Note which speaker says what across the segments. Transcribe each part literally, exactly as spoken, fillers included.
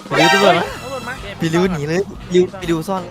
Speaker 1: ไปดูตำรวจ
Speaker 2: ตำรวจมา
Speaker 1: พี่ริ้วหนีเลยริ้วพี่ริ้วซ่อน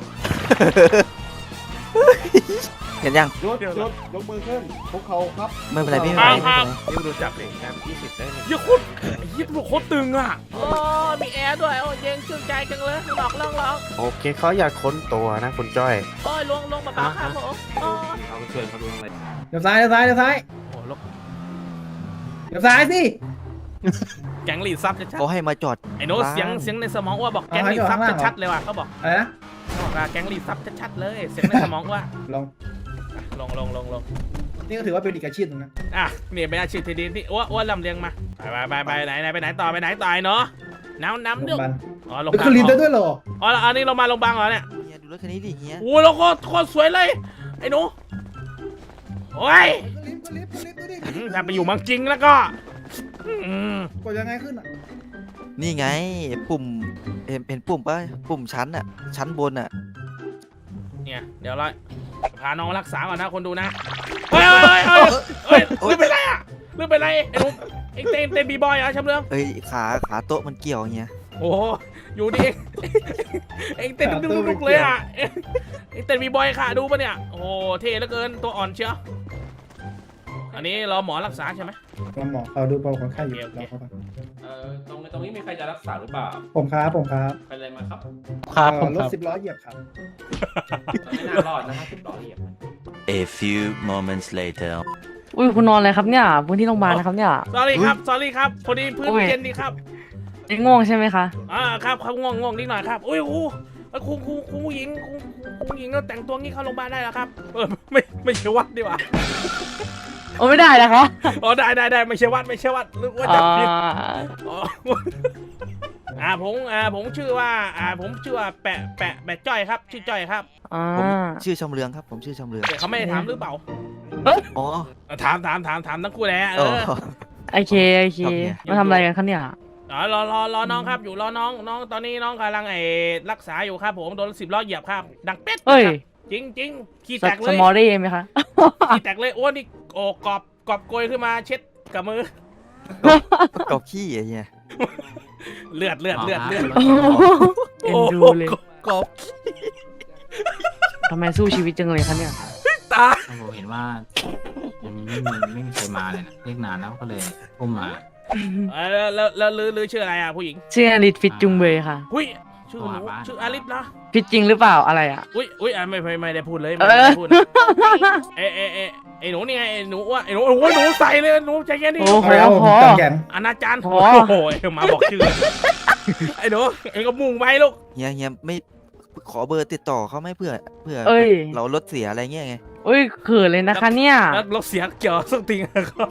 Speaker 1: เห็นยัง
Speaker 3: ยกยกยกมือขึ้นพวกเขาครับ
Speaker 1: ไม่เป็นไรพี่ไม่เป็นไรไม่เป็นไร
Speaker 3: นี่ดูจับเด็กครับยี่สิบได้เลย
Speaker 2: ยี่โคตรยี่ตำรวจโคตรตึงอ่ะโอ้มีแอร์ด้วยโอ้เย็นชื่นใจจังเลยหลอกล่องหลอก
Speaker 3: โอเคเขาอยากค้นตัวนะคุณจ้อย
Speaker 2: โอ้ยลงลงมาเบาครับผมโอ้
Speaker 3: เอาไปช่วยเขาดูอะไร
Speaker 4: เดี๋ยวซ้ายเดี๋ยวซ้ายเดี๋ยวซ้าย
Speaker 2: โหลง
Speaker 4: เดี๋ยวซ้ายสิ
Speaker 2: แก๊งลีดซับชัด
Speaker 1: เขาให้มาจอด
Speaker 2: ๆไอ้โน้ตเสียงเสียงในสมองว่าบอกแก๊งลีดซับชัดๆเลยว่ะเขาบอก
Speaker 4: อะไรนะ
Speaker 2: เขาบอกว่าแก๊งลีดซับชัดๆเลยเสียงในสมองว่า
Speaker 4: ลอง
Speaker 2: ลงลงลงลง
Speaker 4: นี่ก็ถือว่าเป็นอีกอาชีพหนึงนะ
Speaker 2: อ่ะนี่เป็นอาชีพที่ดีที่อ้วนอ้วนลำเลียงมาไปไปไปไหนไหนไปไหนต่อไปไหนต่อเนาะน้ำน้ำ
Speaker 4: โร
Speaker 2: เดือง ด
Speaker 4: พยาบาล
Speaker 2: อ๋อลง
Speaker 4: เป็น
Speaker 2: บา
Speaker 4: ค
Speaker 2: ง
Speaker 4: นลินได้ด้วยเหรอ
Speaker 2: อ๋ออันนี้เรามาลงบางเหรอเนี่ย
Speaker 1: เฮียดูรถคันนี้ดิเฮีย
Speaker 2: โอ้โหเราโคตรโคตรสวยเลยไอ้หนูโอ้ย
Speaker 4: ลิฟต์ลิฟต์ลิฟต์ดูดิ
Speaker 2: อืมถ้าไปอยู่เมืองจริงแล้วก็อืม
Speaker 4: กดยังไงขึ้นอ่ะ
Speaker 1: นี่ไงปุ่มเห็นเห็นปุ่มป่ะปุ่มชั้นอะชั้นบนอะ
Speaker 2: เนี่ยเดี๋ยวเราพาน้องรักษาก่อนนะคนดูนะเฮ้ยเฮ้ยเฮ้ยเฮ้ยเฮ้ยลืมไปไรอ่ะลืมไปไรไอ้หนุ่มเอ็งเต้นเต้นบีบอยเหรอชำเลือง
Speaker 1: เอ้ยขาขาโต๊ะมันเกี่ยวเฮีย
Speaker 2: โอ้โหอยู่ดิเอ็งเต้นดุกๆเลยอ่ะเอ็งเต้นบีบอยค่ะดูปะเนี่ยโอ้โหเท่เหลือเกินตัวอ่อนเชียวอันนี้รอหมอรักษาใช่ไหม
Speaker 4: ลองหมอเอาดูเบาคนไข้อยู่
Speaker 2: โอเค
Speaker 4: รอเขาก่อน
Speaker 3: เอ่อตรงตรงนี้มีใครจะรักษาหรือเปล่า
Speaker 4: ผมครับผมครับ
Speaker 3: ใครเลยมาครับ
Speaker 4: ครับผมรถสิบล้อเหยียบครับ
Speaker 3: ไม่น่ารอดนะห้าสิบล้อเหยียบ
Speaker 5: A few moments later.
Speaker 6: อุ้ยคุณนอนอะไรครับเนี่ยพื้นที่โรงพยาบาลนะครับเนี่ย
Speaker 2: สอรี่ครับสอรี่ครับพอดีพื้นเย็นดีครับ
Speaker 6: ยังง่วงใช่ไหมคะ
Speaker 2: อ่าครับครับง่วงง่วงนิดหน่อยครับอุ้ยครูครูครูครูผู้หญิงครูครูผู้หญิงก็แต่งตัวงี้เข้าโรงพยาบาลได้แล้วครับเออไม่ไม่ใช่วัดดีกว่า
Speaker 6: โอ้ไม่ได้นะคะ
Speaker 2: อ๋อได้ได้ได้ไม่ใช่วัดไม่ใช่วัดหรือว่า
Speaker 6: อ่
Speaker 2: จะผิด
Speaker 6: า
Speaker 2: อ๋ออ่าผมอ่าผมชื่อว่าอ่าผมชื่อว่าแปะแปะแปะจ้อยครับชื่อจ้อยครับ
Speaker 6: อ่า
Speaker 1: ผมชื่อชำเลืองครับผมชื่อชำเลือง
Speaker 2: แต่เขาไม่ได้ถามหรือเปล่า
Speaker 1: อ๋อ
Speaker 2: ถามถามถามถามทั้งคู่แหละเอ
Speaker 1: อ๋อ
Speaker 2: อ
Speaker 6: โอเคโอเคมาทำอะไรกันคะเนี่ย
Speaker 2: อ๋อรอรอรอน้องครับอยู่รอน้องน้องตอนนี้น้องกำลังไอ้รักษาอยู่ครับผมโดนสิบล้อเหยียบครับดังเป็ด
Speaker 6: เฮ้ย
Speaker 2: จริงจริงขี้
Speaker 6: ส
Speaker 2: แตกเล
Speaker 6: ส
Speaker 2: ย
Speaker 6: มอลได้ไหมคะ
Speaker 2: ขี้แตกเลยโอ้นี่โอ้กรอบกรอบโกยขึ้นมาเช็ดกับมือ
Speaker 1: กบขี้อะเฮีย
Speaker 2: เลือดเลือดเลือดเลือด
Speaker 6: เอ็นดูเลย
Speaker 1: กบ
Speaker 6: ทำไมสู้ชีวิตจังเลยคะเนี่ย
Speaker 2: ตาย
Speaker 7: ผมเห็นว่ายังไม่มีไม่มีใครมาเลยนะเรียกนานแล้วก็เลยอุ้มมา
Speaker 2: เออแล้วแล้วแล้วลือลือชื่ออะไรอ่ะผู้หญิง
Speaker 6: ชื่ออลิสฟิตจุงเบยค่ะ
Speaker 2: หุ้ยชื่อหนูชื่ออาริสนะ
Speaker 6: ฟิตจริงหรือเปล่าอะไรอ่ะ
Speaker 2: อุ้ยอุ้ยอ่ะไม่ไม่ไม่ได้พูดเลย
Speaker 6: เอ
Speaker 2: ไม่
Speaker 6: อ
Speaker 2: ได้พูดนะเอะเอะเอะไอ้หนูนี่ไงไอ้หนูว่าไอ้หนูโอ้โหหนูใส่เลยหนูใจเย็นดิ
Speaker 6: โอ้โห
Speaker 4: แล้วผม
Speaker 6: พอ
Speaker 4: จังแขน
Speaker 2: อนาจารย์
Speaker 6: โอ้
Speaker 2: โอ้
Speaker 6: โห
Speaker 2: โหมาบอกชื่อไอ้หนูไอ้ก็มุ่งไปลูก
Speaker 1: เฮียเฮียไม่ขอเบอร์ติดต่อเขาไหม่เพื่อเพื่อ
Speaker 6: เอ้ย
Speaker 1: เรารถเสียอะไรเงี้ยไง
Speaker 6: อุ้ยเขินเลยนะคะเนี่ย
Speaker 2: แล้วรถเสียเกี่ยวสักทีครับ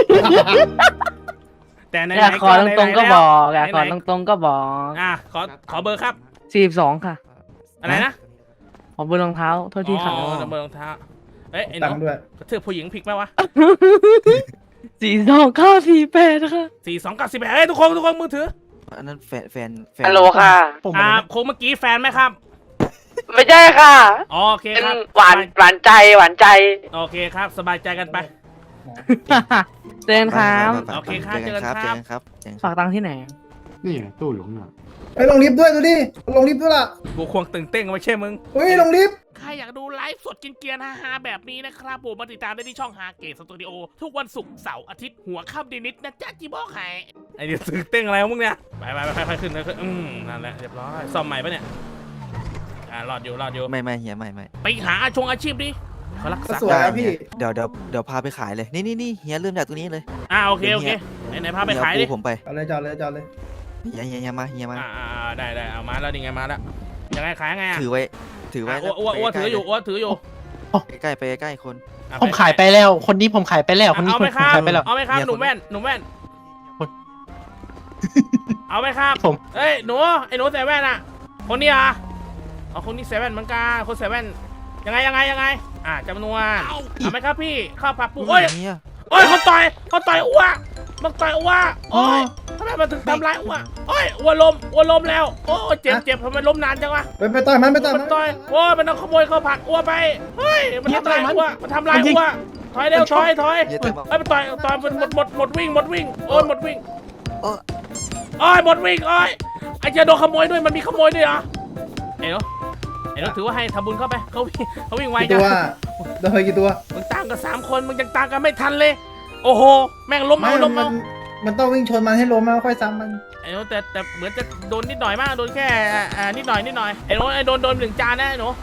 Speaker 2: แต่ใน
Speaker 6: อยากขอตรงๆก็บอกอยากขอ
Speaker 2: ไหน
Speaker 6: ตรงๆก็บอก
Speaker 2: ๆอ่ะขอขอเบอร์ครับ
Speaker 6: สี่สิบสองค่ะ
Speaker 2: อะไรนะ
Speaker 6: ขอเบอร์รองเท้าโทษทีค่ะ
Speaker 2: อ๋อเบอร์รองเท้าเอ้ยไอ้ห
Speaker 4: ตั
Speaker 2: นู
Speaker 4: งค์ด้วย
Speaker 2: กระทืบผู้หญิงผิดไหมวะ
Speaker 6: สี่สองเก้าสี่แปดค่ะ
Speaker 2: สี่สองกับสิบแปดเฮ้ยทุกคนทุกคนมือถือ
Speaker 1: อันนั้นแฟนแฟนแฟน
Speaker 6: ฮัลโหลค่ะ
Speaker 2: อ่าโคงเมื่อกี้แฟนไหมครับ
Speaker 6: ไม่ใช่ค่ะ
Speaker 2: อ๋อโอเค
Speaker 6: เป็น
Speaker 2: ครับ
Speaker 6: หวานหวานใจหวานใจ
Speaker 2: โอเคครับสบายใจกันไป
Speaker 6: เตือนครับ
Speaker 2: โอเคครับ
Speaker 1: เจอกันครับ
Speaker 2: เจ
Speaker 1: เจ
Speaker 2: อ
Speaker 1: อ
Speaker 2: กัน
Speaker 1: กันครับเจอกันครับ
Speaker 6: ฝากตังค์ที่ไหน
Speaker 7: นี่ไงตู้อยู่ข้างหน้า
Speaker 4: ไปลงลิฟต์ด้วยดูดิลงลิฟต์ด้วยล่ะ
Speaker 2: กูควงตึงเต้งไม่ใช่มึง
Speaker 4: เฮ้ยลงลิฟต์
Speaker 2: ใครอยากดูไลฟ์สดกินเกียร์ฮาๆแบบนี้นะครับผมมาติดตามได้ที่ช่องฮาเกตสตูดิโอทุกวันศุกร์เสาร์อาทิตย์หัวค่ำดีนิดนะจ๊ะจีบอกให้ไอ้เดี๋ยวตึงเต้งอะไรของมึงเนี่ยไปไปไปค่อยๆขึ้นค่อยๆอืมนั่นแหละเรียบร้อยซ่อมใหม่ปะเนี่ยอ่ารอดอยู่รอดอยู่
Speaker 1: ไม่ไม่เฮียไม่ไม่
Speaker 2: ไปหาอาชงอาชีพดิเขารัก
Speaker 4: ก็
Speaker 2: ษา
Speaker 4: สวยแล้วพี่
Speaker 1: เดี๋ยวเดี๋ยวเดี๋ยวพาไปขายเลยนี่นี่นี่เฮียเริ่มจากตรงนี้เลย
Speaker 2: อ่าโอเคโอเคไหนไหนพาไปขายดิ
Speaker 1: เฮีปูผมไป
Speaker 4: เอาเลยจอดเลยจอดเลย
Speaker 1: เฮียเฮียเฮียมาเฮียมา
Speaker 2: อ่าอ่าได้ได้เอามาแล้วนี่ไงมาแล้วยังไงขายไงอ่ะ
Speaker 1: ถือไว้ถือไว้
Speaker 2: อ้วอ้วอ้วถืออยู่อ้วถืออยู่
Speaker 1: ใกล้ๆไปใกล้ๆคน
Speaker 2: อ่ะ
Speaker 8: ผมขายไปแล้ว คนนี้ผมขายไปแล้ว คนนี้
Speaker 2: เอา
Speaker 8: ผม
Speaker 2: ไหมครับ
Speaker 8: ขายไปแล้ว
Speaker 2: เอาไหมครับ
Speaker 1: เนี่ย
Speaker 2: หนุ่มแว่นหนุ่มแว่น
Speaker 8: คน
Speaker 2: เอาไหมครับ
Speaker 8: ผม
Speaker 2: เอ้ยหนูไอ้หนูใส่แว่นอ่ะคนนี้อ่ะเอาคนนี้ใส่แว่นเหมือนกันคนใส่แว่นยังไงยังไงยังไงอ่าจำนวนเอาไหมครับพี่ข้าวผัดปูโอ้ย
Speaker 1: เฮีย
Speaker 2: โอ้ยเขาต่อยเขาต่อยอ้วมันต่อยอ้วโอ้ยทำไมมันถึงทำร้ายอ้วโอ้ยอ้วล้มอ้วล้มแล้วโอ้ยเจ็บเจ็บทำไมล้มนานจังวะ
Speaker 4: ไปไปต่อยมันไปต่อย
Speaker 2: มั
Speaker 4: มัน น
Speaker 2: ต่อยโอ้ยมันเอาขโมยข้าวผัดอ้วไปเฮ้ยมันทำลายอ้วมันทำลายอ้วถอยเร็วถอยถอย
Speaker 1: เฮียแต่บอก
Speaker 2: เอ้ยมันต่อยต่อยมันหมดหมดหมดวิ่งหมดวิ่งโอ้ยหมดวิ่ง
Speaker 1: โอ้
Speaker 2: โอ้ยหมดวิ่งโอ้ยไอ้เจ้าโดนขโมยด้วยมันมีขโมยด้วยเหรอไอ้เนาะไอ้เนาะถือว่าให้ทำบุญเข้าไปเขาวิ่งเขาวิ่งไว
Speaker 4: กี่
Speaker 2: จั
Speaker 4: ตั
Speaker 2: ง
Speaker 4: วโดนไปกี่ตัว
Speaker 2: มึงตามกันสามคนมึงยังตามกันไม่ทันเลย โอ้โหแม่งล้ม
Speaker 4: ไม่
Speaker 2: เอาล้ม
Speaker 4: มั
Speaker 2: เอา
Speaker 4: นมันต้องวิ่งชนมันให้ล้มแล้วค่อยซ้ำมัน
Speaker 2: ไอ้เนาะแต่แต่เหมือนจะโดนนิดหน่อยมากโดนแค่อ่าอ่านิดหน่อยนิดหน่อยไอ้เนาะไอ้โดนโดนหนึ่งจานนะไอ้หนู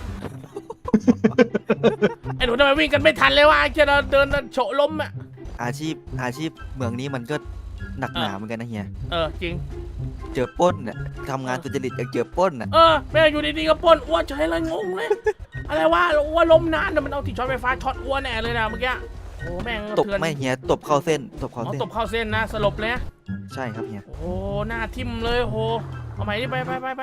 Speaker 2: ไอ้หนูทำไมวิ่งกันไม่ทันเลยวะไอ้เจ้าเดินโฉะล้มอ่ะ
Speaker 1: อาชีพอาชีพเมืองนี้มันก็หนักหนาเหมือนกันนะเฮีย
Speaker 2: เออจริง
Speaker 1: เจอปล้นน่ะทำงานสุจริตยังเจอปล้นน่ะ
Speaker 2: เออแม่อยู่ดีๆก็ปล้นอ้วนเฉยเลยงงเลย อะไรวะอ้วนล้มนานน่ะมันเอาที่ช็อตไฟฟ้าช็อตอ้วนแน่เลยนะเมื่อกี้โอ้แม่ง
Speaker 1: ตบ
Speaker 2: เถื่อน
Speaker 1: ไม่เฮียตบเข้าเส้นตบเข้า
Speaker 2: อ๋อ
Speaker 1: เส้น
Speaker 2: ตบเข้าเส้นนะสลบเลยนะ
Speaker 1: ใช่ครับเฮีย
Speaker 2: โอ้หน้าทิ่มเลยโหเอาใหม่ดิไปไปไปไป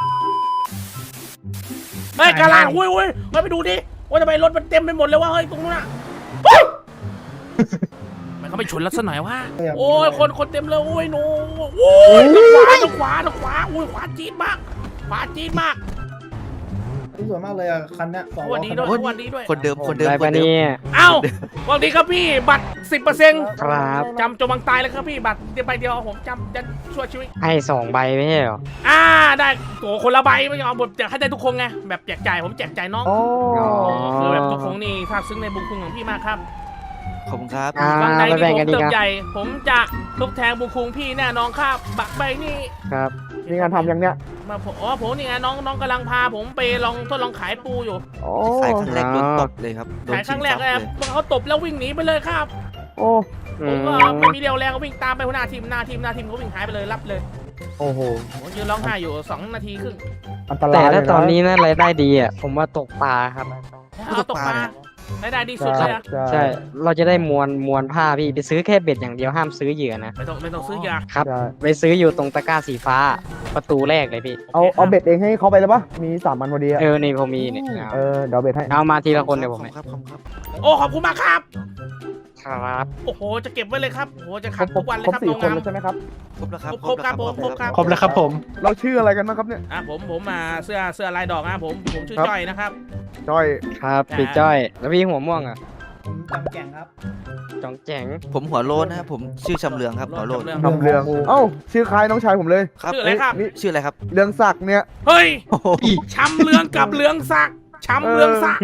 Speaker 2: เฮ้ยกาลาดอุ้ยอุ้ยเฮ้ยไปดูดิว่าทำไมรถมันเต็มไปหมดเลยวะเฮ้ยตรงนู้นน่ะเฮ้ยมันเขาไปชนแล้วซะหน่อยวะโอ้ยคนคนเต็มเลยโอ้ยหนูโอ้ยทางขวาทางขวาทางขวาโอ้ยขวาจี๊ดมากขวาจี๊ดมาก
Speaker 4: สวยมากเลยอ่ะคันเนี้ยสอง
Speaker 2: ส
Speaker 4: ล้
Speaker 2: วั
Speaker 4: อ
Speaker 2: สดี
Speaker 4: คัน
Speaker 2: ด้วย
Speaker 4: เนี้ย
Speaker 2: สวัสดีด้วย
Speaker 1: คนเดิมคนเดิม
Speaker 6: ได้
Speaker 1: ค
Speaker 6: ปะ
Speaker 1: นเดิม
Speaker 6: เนี่ย
Speaker 2: เอ้าสวัสดีครับพี่บัตรสิบเปอร์เซ็นต์
Speaker 6: ครับ
Speaker 2: จำจมบังตายเลยครับพี่บัตรเดียวใบเดียวผมจำจะช่วยชีวิต
Speaker 6: ให้สองใบไม่ใช่เหรอ
Speaker 2: อ่าได้โอ้คนละใบไม่เอาแบบอยากให้ได้ทุกคนไงแบบแจกจ่ายผมแจกจ่ายน้อง
Speaker 6: อ๋อ
Speaker 2: คือแบบทุกคนนี่ซาบซึ้งในบุญคุณของพี่มากครับ
Speaker 1: ขอบคุณครับ
Speaker 6: อ่า
Speaker 2: วันใด
Speaker 6: ไป
Speaker 2: ที่
Speaker 6: แบ่ง
Speaker 2: ผม
Speaker 6: กันดี
Speaker 2: เติ
Speaker 6: ค
Speaker 2: บ
Speaker 6: รับ
Speaker 2: ใหญ่ ผมจะทดแทนบุญคุณพี่แน่นอนครับบัตรใบนี่
Speaker 6: ครับ
Speaker 4: มีงานทำยังเนี้ย
Speaker 2: มาผมอ๋อผมนี่ไงน้องน้องกำลังพาผมไปลองทดลองขายปูอยู่
Speaker 4: โอ้
Speaker 1: ขายครั้งแรกโดนตบเลยครับโดน
Speaker 2: ขายค
Speaker 1: ชิ
Speaker 2: รั้
Speaker 1: ง
Speaker 2: งแร
Speaker 1: ท
Speaker 2: ก
Speaker 1: รัพย์
Speaker 2: เลย
Speaker 1: เลย
Speaker 2: เขาตบแล้ววิ่งหนีไปเลยครับ
Speaker 4: โอ้
Speaker 2: ผมก็ไม่มีเรี่ยวแรงก็วิ่งตามไปหัวหน้าทีมหน้าทีมหน้าทีมเขาวิ่งหายไปเลยรับเลย
Speaker 4: โอ้โห
Speaker 2: ผมยืนร้องไห้อยู่สองนาทีครึ่ง
Speaker 4: อันต
Speaker 6: แต่
Speaker 4: ราย
Speaker 6: ถ้าตอนนี้นะรายได้ดีอ่ะผมว่าตกปลาครับ
Speaker 2: เอาตกปลาได้ได้ดีสุดเลยอะ
Speaker 6: ใช่ เราจะได้มวลมวลผ้าพี่ไปซื้อแค่เบ็ดอย่างเดียวห้ามซื้อเหยื่อนะ
Speaker 2: ไม่ต้องไม่ต้องซื้อยา
Speaker 6: ครับ ไปซื้ออยู่ตรงตะกร้าสีฟ้า ประตูแรกเลยพี่
Speaker 4: เอาเอาเบ็ดเองให้เขาไปเลยปะมีสามอันพอดีอะ
Speaker 6: เออนี่ผมมีเนี่ย
Speaker 4: เออเดี๋ยวเบ็ดให้
Speaker 6: เอามาทีละคนเดี๋ยวผม
Speaker 1: ขอบครับขอบคุณครับ
Speaker 2: โอ้ขอบคุณมากครับ
Speaker 6: ครับ
Speaker 2: โอ้โหจะเก็บไว้เลยครับโอ้โหจะ
Speaker 4: คร
Speaker 2: ขั
Speaker 4: บ
Speaker 2: ดทุกวันเลย
Speaker 4: ครบ
Speaker 2: ครับ
Speaker 4: สี่
Speaker 2: น้อง
Speaker 4: คน
Speaker 2: งาม
Speaker 4: แล้วใช่ไหมครับ
Speaker 1: ครบแล้วครับ
Speaker 2: ครบครับผมครบครับ
Speaker 4: ครบแล้วครับผม เราชื่ออะไรกันบ้างครับเนี่ย
Speaker 2: อ่ะผมผมมาเสื้อเสื้อลายดอกนะผมผมชื่อ
Speaker 4: ครับ
Speaker 2: จ้อยนะครับ
Speaker 4: จ้อย
Speaker 6: ครับพี่จ้อย แล้วพี่หัวม่วงอ่ะ
Speaker 4: ผมจำแก่งครับ
Speaker 6: จองแจ๋ง
Speaker 1: ผมหัวโลนนะครับผมชื่อชำเลืองครับหัวโลน
Speaker 2: เรื่อง
Speaker 4: ทำเรืองเอ้าชื่อคล้ายน้องชายผมเลย
Speaker 1: ครับ
Speaker 2: ชื่ออะไรครับ
Speaker 4: นี่
Speaker 1: ชื่ออะไรครับ
Speaker 4: เรืองศักดิ์เนี่ย
Speaker 2: เฮ้ย
Speaker 1: โอ้โห
Speaker 2: ช้ำเรืองกับเรืองศักดิ์ช้ำเรืองศักดิ์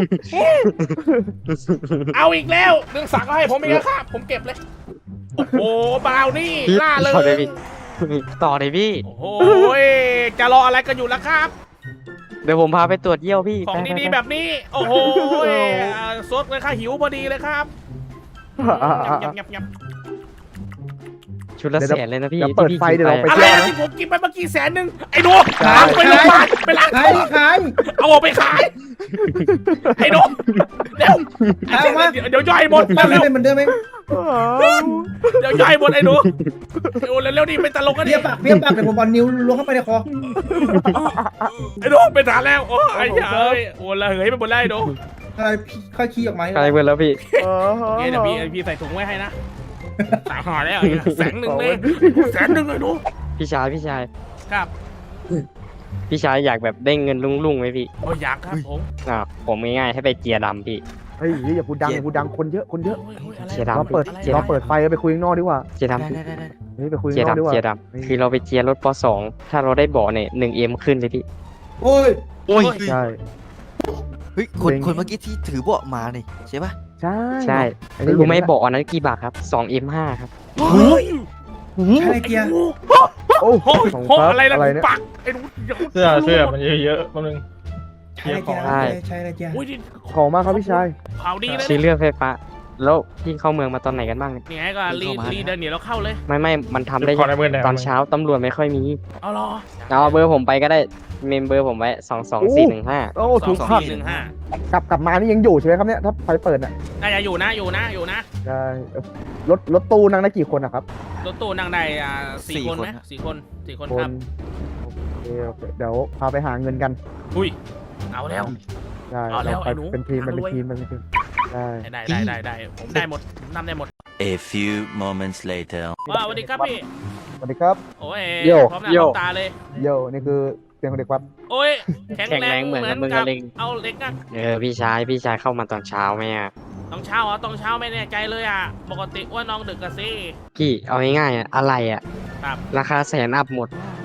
Speaker 2: เอาอีกแล้วเรืองศักดิ์ก็ให้ผมอีกแล้วครับผมเก็บเลยโอ้โหบราวนี่
Speaker 6: พี่
Speaker 2: ล่าเล
Speaker 6: ต่อเลย
Speaker 2: ย
Speaker 6: พี่ต่อเลยพี่
Speaker 2: โอ้โหจะรออะไรกันอยู่ล่ะครับ
Speaker 6: เดี๋ยวผมพาไปตรวจเยี่ยวพี่
Speaker 2: ของ
Speaker 6: ไปๆๆ
Speaker 2: ดีๆแบบนี้ โอ้โหสดเลยค่ะหิวพอดีเลยครับยับยับยับ
Speaker 6: ชุดละ
Speaker 4: เดี๋ยว
Speaker 6: แสนเลยนะพี่
Speaker 4: เดี๋ยวเปิด
Speaker 6: ที่พี่
Speaker 4: ไฟ
Speaker 6: กิน
Speaker 4: เดี๋ยวเราไป
Speaker 2: อะไรนะที่ผมกินไปเมื่อกี้แสนหนึ่งไอ้หนูล้างไปโรงพยาบาลไปล้าง
Speaker 4: ขายดิขาย
Speaker 2: เอาออกไปขายไอ้หนูเดี๋ยว
Speaker 4: เอามา
Speaker 2: เดี๋ยวเดี๋ยวย่อยหมด
Speaker 4: บ้าน
Speaker 2: เร็ว
Speaker 4: เป็นเหมือนเดิมไหม
Speaker 2: เดี๋ยวย่อยหมดไอ้หนูเร็วเร็วๆดิเป็นตลกกันดิ
Speaker 4: เพี้ยปากเพี้ยปากเดี๋ยวผมเอานิ้วล้วงเข้าไปในคอ
Speaker 2: ไอ้หนูเป็นฐานแล้วโอ้ยเอ้ยโอ้ละเหยไปหมดแล้วไอ้หนู
Speaker 4: อะไรค่อยขี้ออกมาให้
Speaker 6: ใครเบิร์แล้วพี่
Speaker 2: โอเคเดี๋ยวพี่พี่ใส่ถุงไว้ให้นะสามห่อแล้วแสนหนึ่งเลยแสนหนึ่งเลยหนู
Speaker 6: พี่ชายพี่ชาย
Speaker 2: ครับ
Speaker 6: พี่ชายอยากแบบได้เงินลุ่งๆไหมพี่
Speaker 2: โอ้ยอยากครับผม
Speaker 6: อ่าผมง่ายๆให้ไปเจียร์ดำพี่
Speaker 4: เฮ้ยอย่าพูดดังอย่าพูดดังคนเยอะคนเยอะ
Speaker 2: โอ้ยโอ้ยอะไร
Speaker 6: เสียดาย
Speaker 4: เราเปิด
Speaker 2: อะไร
Speaker 4: เราเปิดไฟแล้วไปคุยข้างนอกดีกว่า
Speaker 6: เจียร์
Speaker 1: ได้
Speaker 6: ดำพี่
Speaker 1: ได้ได้ได้
Speaker 4: เฮ้ยไปคุย
Speaker 6: เจีย
Speaker 4: ข้าง
Speaker 6: ร์
Speaker 4: นอกดีกว่า
Speaker 6: ดำเจียร์ดำคือเราไปเจียร์รถปสองถ้าเราได้เบาะเนี่ยหนึ่งเอ็มขึ้นเลยพี่
Speaker 4: โอ้ย
Speaker 1: โอ้ย
Speaker 4: ใช่
Speaker 1: เฮ้ยคน
Speaker 4: เจ๋ง
Speaker 1: คนเมื่อกี้ที่ถือเบาะมานี่ใช่ปะ
Speaker 4: ใช่
Speaker 6: ใช่
Speaker 4: อันนี้
Speaker 6: รู้ไหมเบาะอันนั้นกี่บาทครับสองเอ็มห้าครับ
Speaker 2: เฮ้ย
Speaker 4: ใช่เกียร์
Speaker 2: โอ้โห
Speaker 4: โอ้
Speaker 2: โอ้ย
Speaker 4: ของ
Speaker 2: โอ้
Speaker 4: ครับ
Speaker 2: อะไรล่ะ
Speaker 4: อะไรเนี่ย
Speaker 2: ปักไอ้หนูดี๋ยว
Speaker 3: เสื้อเสื้อมันเยอะๆแป๊บนึง
Speaker 4: ใช่เกียร์
Speaker 6: ใช่
Speaker 4: ใช่ใช่เกียร์
Speaker 2: โอ้ยนี่
Speaker 4: ของมากครับพี่ชาย
Speaker 2: ข่าวดีเลย
Speaker 6: ซื้อ
Speaker 2: นะ
Speaker 6: เรือไฟฟ้า แล้วพี่เข้าเมืองมาตอนไหนกันบ้างเนี่ย
Speaker 2: นี่ไงก็รีรีเดินเดี๋ยวเราเข้าเลย
Speaker 6: ไม่ไม่มันทำได้
Speaker 3: ขอในมือหน่อย
Speaker 6: ตอนเช้าตำรวจไม่ค่อยมี
Speaker 2: เอารอ
Speaker 6: เอาเบอร์ผมไปก็ได้เมมเบอร์ผมไว้สองสองสี่หนึ่งห้า
Speaker 4: โอ้
Speaker 2: สอ
Speaker 4: ถู
Speaker 2: ง
Speaker 4: ก
Speaker 2: สอง
Speaker 4: ขับ
Speaker 2: สี่หนึ่งห้าก
Speaker 4: ลับกลับมานี่ยังอยู่ใช่ไหมครับเนี่ยถ้าไฟเปิดน่ะ
Speaker 2: น่าจะอยู่นะอยู่นะอยู่นะ
Speaker 4: ใช่รถรถตู้นั่งได้กี่คนนะครับ
Speaker 2: รถตู้นั่งได้อ่าสี่คนไหมสี่คนสี่คน
Speaker 4: ค
Speaker 2: ครับ
Speaker 4: นโอเคโอเคเดี๋ยวพาไปหาเงินกัน
Speaker 2: อุ้ยเอาแล้ว
Speaker 4: ใช่
Speaker 2: เอาแล้ว
Speaker 4: เราไป
Speaker 2: ไอ้หนู
Speaker 4: เป็นทีม
Speaker 2: หา
Speaker 4: เป็น
Speaker 2: รวย
Speaker 4: ทีมเป็นทีมใช่
Speaker 2: ได้ได้ได้ได้ผมได้หมดผมนำได้หมด
Speaker 5: A few moments later.
Speaker 2: ว้าวสวัสดีครับพี่
Speaker 4: สวัสดีครับ
Speaker 2: โอ้ย
Speaker 6: โย่
Speaker 2: พร้อมหน้า
Speaker 6: โย่
Speaker 2: พร้อมตาเลย
Speaker 4: โยนี่คือเสียงของเด็กวัด
Speaker 2: โอ้ยแข็ง
Speaker 6: แข็ง
Speaker 2: แร
Speaker 6: แรง งเหมือนกับมึง
Speaker 2: กั
Speaker 6: อะเล็ง
Speaker 2: เอาเล็กนะ
Speaker 6: เออพี่ชายพี่ชายเข้ามาตอนเช้าไหมอ่ะ
Speaker 2: ต้องเช้าเหรอต้องเช้าไม่แน่ใจเลยอ่ะปกติว่าน้องดึกกันสิ
Speaker 6: พี่เอาง่ายๆอ่ะอะไรอ่ะ
Speaker 2: ครับ
Speaker 6: ราคาแสนอัพหมด